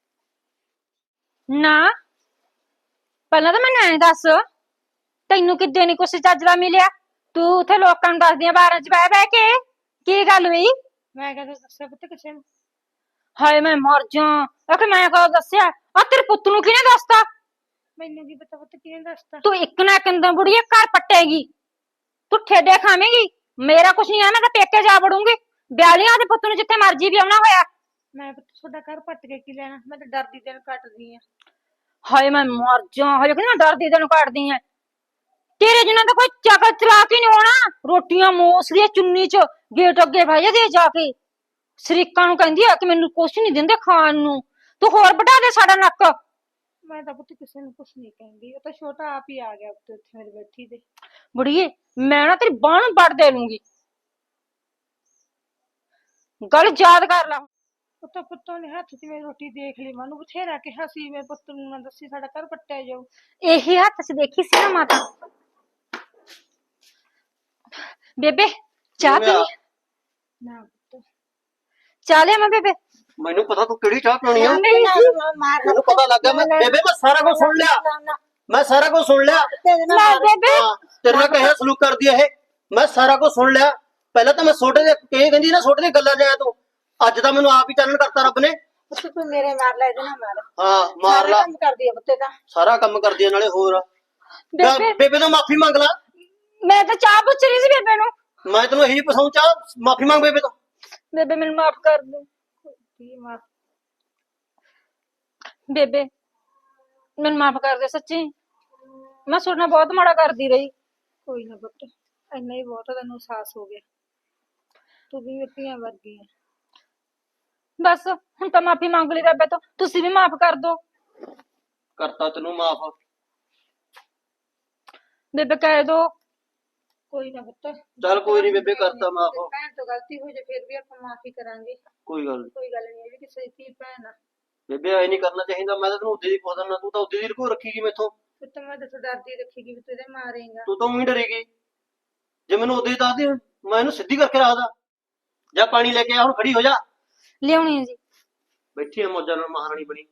B: ਨਾ ਪਹਿਲਾਂ ਤਾਂ ਮੈਨੂੰ ਐਂ ਦੱਸ, ਤੈਨੂੰ ਕਿੱਦੇ ਨੀ ਕੁਛ ਚੱਜ ਦਾ ਮਿਲਿਆ? ਤੂੰ ਉੱਥੇ ਲੋਕਾਂ ਨੂੰ ਦੱਸਦੀ ਆ ਬਾਰਾਂ ਚ ਬਹਿ ਬਹਿ ਕੇ, ਕੀ ਗੱਲ ਹੋਈ?
A: ਮੈਂ ਕਦੇ ਦੱਸਿਆ ਪੁੱਤ ਕਿਸੇ ਨੂੰ?
B: ਹਾਏ ਮੈਂ ਮਰ ਜਾ। ਆਖੇ ਮੈਂ ਕਦੋਂ ਦੱਸਿਆ? ਆ ਤੇਰੇ ਪੁੱਤ ਨੂੰ ਕਿਹਨੇ ਦੱਸਤਾ?
A: ਮੈਨੂੰ ਕੀ ਪਤਾ ਪੁੱਤ ਕਿਹਨੇ ਦੱਸਤਾ।
B: ਤੂੰ ਇੱਕ ਨਾ ਕਿੰਦੋਂ ਬੁੜੀਏ ਘਰ ਪੱਟੇਗੀ, ਤੂੰ ਠੇਡੇ ਖਾਵੇਂਗੀ। ਮੇਰਾ ਕੁਛ ਨਹੀਂ ਆ, ਮੈਂ ਤਾਂ ਪੇਕੇ ਜਾ ਵੜੂੰਗੀ। ਬਿਆਲੀਆਂ ਦੇ ਪੁੱਤ ਨੂੰ ਜਿੱਥੇ ਮਰਜੀ ਵਿਆਹੁਣਾ ਹੋਇਆ।
A: ਮੈਂ ਪੁੱਤ ਤੁਹਾਡਾ ਘਰ ਪੱਟ ਕੇ ਕੀ ਲੈਣਾ, ਮੈਂ ਤਾਂ ਡਰਦੀ ਦਿਨ ਕੱਟਦੀ ਆ।
B: ਹਾਏ ਮੈਂ ਮਰ ਜਾ। ਹਜੇ ਕਹਿੰਦਾ ਡਰਦੀ ਤੈਨੂੰ ਕੱਟਦੀ ਐ। ਤੇਰੇ ਜਿੰਨਾ ਤਾਂ ਕੋਈ ਚੱਕਰ ਚਲਾ ਕੇ ਨਹੀਂ ਹੋਣਾ। ਰੋਟੀਆਂ ਮੋਸਦੀਆਂ ਚੁੰਨੀ ਚ ਗੇਟ ਅੱਗੇ ਬਹਿ ਜਾਂਦੀ ਜਾ ਕੇ, ਸ਼ਰੀਕਾਂ ਨੂੰ ਕਹਿੰਦੀ ਆ ਕਿ ਮੈਨੂੰ ਕੁਛ ਨਹੀਂ ਦਿੰਦੇ ਖਾਣ ਨੂੰ। ਤੂੰ ਹੋਰ ਵਢਾ ਦੇ ਸਾਡਾ ਨੱਕ।
A: ਮੈਂ ਤਾਂ ਪੁੱਤ ਕਿਸੇ ਨੂੰ ਕੁਛ ਨਹੀਂ ਕਹਿੰਦੀ, ਉਹ ਤਾਂ ਛੋਟਾ ਆਪ ਹੀ ਆ ਗਿਆ ਉੱਤੇ ਉੱਥੇ ਮੇਰੇ ਬੈਠੀ ਦੇ।
B: ਬੁੜੀਏ ਮੈਂ ਨਾ ਤੇਰੀ ਬਾਂਹ ਨੂੰ ਵੱਢ ਦੇ ਲੂੰਗੀ, ਗੱਲ ਯਾਦ ਕਰ ਲੈ।
A: ਪੁੱਤੋਂ ਪੁੱਤੋਂ ਨੇ ਹੱਥ 'ਚ ਮੇਰੀ ਰੋਟੀ ਦੇਖ ਲਈ, ਮੈਨੂੰ ਬਥੇਰਾ ਕਿਹਾ ਸੀ ਮੇਰੇ ਪੁੱਤ ਨੂੰ ਨਾ ਦੱਸੀ, ਸਾਡਾ ਘਰ ਪੱਟਿਆ ਜਾਊ।
B: ਇਹੀ ਹੱਥ ਚ ਦੇਖੀ ਸੀ ਨਾ ਮਾਤਾ। ਬੇਬੇ ਚਾਹ ਪੀ?
A: ਨਾ ਪੁੱਤ
B: ਚਾਹ ਲਿਆ ਮੈਂ ਬੇਬੇ?
C: ਮੈਨੂੰ ਪਤਾ ਤੂੰ ਕਿਹੜੀ ਚਾਹ ਪੀਣੀ ਆ,
B: ਨਹੀਂ
C: ਮੈਨੂੰ ਪਤਾ ਲੱਗ ਗਿਆ। ਮੈਂ ਬੇਬੇ ਮੈਂ ਸਾਰਾ ਕੁਝ ਸੁਣ ਲਿਆ, ਮੈਂ ਸਾਰਾ ਕੁਝ ਸੁਣ ਲਿਆ।
B: ਲੈ ਬੇਬੇ,
C: ਹਾਂ, ਤੇਰੇ ਨਾਲ ਕਿਹੋ ਸਲੂਕ ਕਰਦੀ ਆ ਇਹ, ਮੈਂ ਸਾਰਾ ਕੁਝ ਸੁਣ ਲਿਆ। ਪਹਿਲਾਂ ਤਾਂ ਮੈਂ ਛੋਟੇ ਦੇ ਇਹ ਕਹਿੰਦੀ ਨਾ, ਛੋਟੇ ਦੀਆਂ ਗੱਲਾਂ ਜਾਇਆ ਤੂੰ, ਅੱਜ ਤਾਂ ਮੈਨੂੰ ਆਪ ਹੀ ਚਾਨਣ ਕਰਤਾ ਰੱਬ ਨੇ।
A: ਤੂੰ ਮੇਰੇ ਮਾਰ ਲੈ, ਇਹਦੇ ਨਾਲ ਮਾਰ।
C: ਹਾਂ ਮਾਰ ਲਾ,
A: ਕੰਮ ਕਰਦੀ ਆ ਪੁੱਤੇ ਤਾਂ
C: ਸਾਰਾ ਕੰਮ ਕਰਦੀ ਆ। ਨਾਲੇ ਹੋਰ
B: ਬੇਬੇ
C: ਬੇਬੇ ਤੋਂ ਮਾਫੀ ਮੰਗ ਲਾ।
B: ਮੈਂ ਤਾਂ ਚਾਹ ਪੁੱਛ ਰਹੀ ਸੀ ਬੇਬੇ ਨੂੰ।
C: ਮੈਂ ਤੈਨੂੰ ਇਹੀ ਪਸਾਉਂ, ਚਾਹ ਮਾਫੀ ਮੰਗ ਬੇਬੇ ਤੋਂ।
B: ਬੇਬੇ ਮੈਨੂੰ ਮਾਫ ਕਰ ਦੇ।
A: ਕੀ ਮਾਰ।
B: ਬੇਬੇ ਮੈਨੂੰ ਮਾਫ ਕਰ ਦੇ, ਸੱਚੀ ਮੈਂ ਤੁਹਾਡੇ ਨਾਲ ਬਹੁਤ ਮਾੜਾ ਕਰਦੀ ਰਹੀ।
A: ਕੋਈ ਨਾ ਪੁੱਤ, ਇੰਨਾ ਹੀ ਬਹੁਤ ਆ, ਤੈਨੂੰ ਅਹਿਸਾਸ ਹੋ ਗਿਆ। ਤੂੰ ਵੀ ਧੀਆਂ ਵਰਗੀ ਆ।
B: ਬਸ ਹੁਣ ਤਾਂ ਮਾਫੀ ਮੰਗ ਲਈ ਰੱਬੇ ਤੋਂ, ਤੁਸੀਂ ਵੀ ਮਾਫ ਕਰ ਦੋ।
C: ਕਰਤਾ ਤੈਨੂੰ ਮਾਫ।
B: ਬੇਬੇ ਕਹਿ ਦੋ।
A: ਕੋਈ ਨਾ ਪੁੱਤ,
C: ਚੱਲ ਕੋਈ ਨਹੀਂ ਬੇਬੇ, ਕਰਤਾ ਮਾਫ।
A: ਭੈਣ ਤੋਂ ਗਲਤੀ ਹੋ ਜੇ ਫਿਰ ਵੀ ਆਪਾਂ ਮਾਫੀ ਕਰਾਂਗੇ।
C: ਕੋਈ ਗੱਲ ਨੀ
A: ਕੋਈ ਗੱਲ ਨਹੀਂ, ਇਹ ਵੀ ਕਿਸੇ ਦੀ ਧੀ ਭੈਣ ਆ।
C: ਬੇਬੇ, ਐ ਨਹੀਂ ਕਰਨਾ ਚਾਹੀਦਾ। ਮੈਂ ਤਾਂ ਤੈਨੂੰ ਉਦੇ ਦੀ ਪੁੱਛ ਦਿੰਦਾ, ਤੂੰ ਤਾਂ ਉਦੇ ਦੀ ਰਕੋ ਰੱਖੀਗੀ ਮੈਥੋਂ।
A: ਪੁੱਤ ਮੈਂ ਤਾਂ ਡਰਦੀ ਰੱਖੇਗੀ ਵੀ ਤੂੰ ਇਹਦੇ ਮਾਰੇਂਗਾ।
C: ਤੂੰ ਤਾਂ ਉਹੀ ਡਰੇਗੀ। ਜੇ ਮੈਨੂੰ ਉਦੇ ਦੱਸਦੀ, ਮੈਂ ਇਹਨੂੰ ਸਿੱਧੀ ਕਰਕੇ ਰੱਖਦਾ। ਜਾ ਪਾਣੀ ਲੈ ਕੇ ਆ, ਹੁਣ ਖੜੀ ਹੋ ਜਾ।
B: ਲਿਆਉਣੀ ਹੈ ਜੀ।
C: ਬੈਠੀ ਆ ਮੌਜਾਂ ਨਾਲ ਮਹਾਰਾਣੀ ਬਣੀ।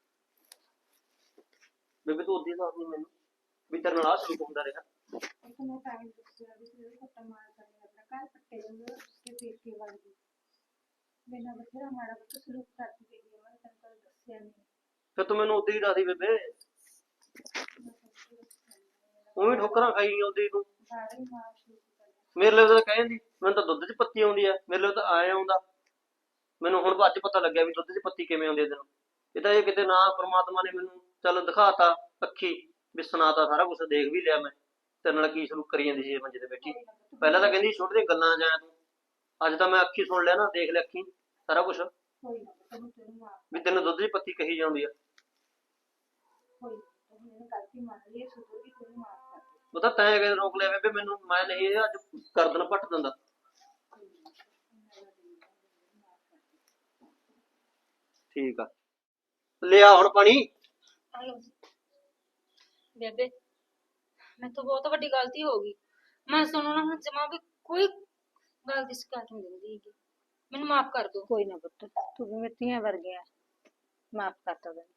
C: ਬੇਬੇ ਤੂੰ ਉਦੇ ਦੱਸਦੀ ਮੈਨੂੰ ਵੀ ਤੇਰੇ ਨਾਲ ਆਹ ਸਲੂਕ ਹੁੰਦਾ ਰਿਹਾ।
A: ਮੈਂ ਤਾਂ ਹੀ ਦੱਸਿਆ ਵੀ ਤੂੰ ਕੁੱਟਾ ਮਾਰ ਕਰਨੀ, ਆਪਣਾ ਘਰ ਪੱਟੇ ਜਾਂਦੇ ਤੇ ਪੇਕੇ ਵਰਗੀ। ਬਿਨਾਂ ਬਥੇਰਾ ਮਾੜਾ ਪੁੱਤ ਸਲੂਕ ਕਰਦੀ ਗਈ ਆ, ਮੈਂ ਤੈਨੂੰ ਕਦੇ ਦੱਸਿਆ ਨਹੀਂ।
C: ਫਿਰ ਤੂੰ ਮੈਨੂੰ ਉਦੇ ਹੀ ਦੱਸਦੀ ਬੇਬੇ। ਉਵੇਂ ਠੋਕਰਾਂ ਖਾਈ ਗਈ ਉਦੇ ਤੂੰ।
A: ਸਾਰੇ ਮਾਰ ਸ਼ੁਰੂ ਕਰ
C: ਮੇਰੇ ਲਈ ਤਾਂ ਕਹਿ ਜਾਂਦੀ, ਮੈਨੂੰ ਤਾਂ ਦੁੱਧ 'ਚ ਪੱਤੀ ਆਉਂਦੀ ਆ, ਮੇਰੇ ਲਈ ਤਾਂ ਆਏ ਆਉਂਦਾ। ਮੈਨੂੰ ਹੁਣ ਅੱਜ ਪਤਾ ਲੱਗਿਆ ਵੀ ਦੁੱਧ 'ਚ ਪੱਤੀ ਕਿਵੇਂ ਆਉਂਦੀ ਆ ਤੈਨੂੰ। ਇਹ ਤਾਂ ਇਹ ਕਿਤੇ ਨਾ ਪ੍ਰਮਾਤਮਾ ਨੇ ਮੈਨੂੰ ਚੱਲ ਦਿਖਾਤਾ ਅੱਖੀ, ਵੀ ਸੁਣਾਤਾ, ਸਾਰਾ ਕੁਛ ਦੇਖ ਵੀ ਲਿਆ ਮੈਂ। ਤੇਰੇ ਨਾਲ ਕੀ ਸਲੂਕ ਕਰੀ ਜਾਂਦੀ ਸੀ ਮੰਜੇ ਤੇ ਬੈਠੀ। ਪਹਿਲਾਂ ਤਾਂ ਕਹਿੰਦੀ ਛੋਟੇ ਦੀਆਂ ਗੱਲਾਂ ਜਾਇਆ ਤੂੰ, ਅੱਜ ਤਾਂ ਮੈਂ ਅੱਖੀ ਸੁਣ ਲਿਆ ਨਾ, ਦੇਖ ਲਿਆ ਅੱਖੀ ਸਾਰਾ ਕੁਛ,
A: ਕੋਈ ਨਾ ਤੈਨੂੰ ਮਾਰ।
C: ਵੀ ਤੈਨੂੰ ਦੁੱਧ 'ਚ ਪੱਤੀ ਕਹੀ ਜਾਂਦੀ ਆ।
A: ਕੋਈ ਨਾ ਇਹਨੇ ਗਲਤੀ ਮੰਨ ਲਈ, ਇਹ ਸੁਧਰੂਗੀ, ਤੈਨੂੰ ਮਾਰ ਕਰ ਦੇ।
C: ਉਹ ਤਾਂ ਤੈਂ ਕਿਤੇ ਰੋਕ ਲਿਆ ਬੇਬੇ ਮੈਨੂੰ, ਮੈਂ ਨਹੀਂ ਇਹ ਅੱਜ ਗਰਦਨ ਪੱਟ ਦਿੰਦਾ। ਠੀਕ ਆ, ਲਿਆ ਹੁਣ ਪਾਣੀ।
B: ਬੇਬੇ ਮੈਂ ਤਾਂ ਬਹੁਤ ਵੱਡੀ ਗਲਤੀ ਹੋ ਗਈ। ਮੈਂ ਸੁਣੋ ਨਾ ਹੁਣ ਜਮਾ ਵੀ ਕੋਈ ਗੱਲ ਦੀ ਸ਼ਿਕਾਇਤ ਨਹੀਂ ਦਿੰਦੀ ਹੈਗੀ। ਮੈਨੂੰ ਮਾਫ ਕਰ ਦਿਓ।
A: ਕੋਈ ਨਾ ਪੁੱਤ, ਤੂੰ ਵੀ ਮੇਰੀਆਂ ਵਰਗੀਆਂ, ਮਾਫ ਕਰਤਾ ਤੈਨੂੰ।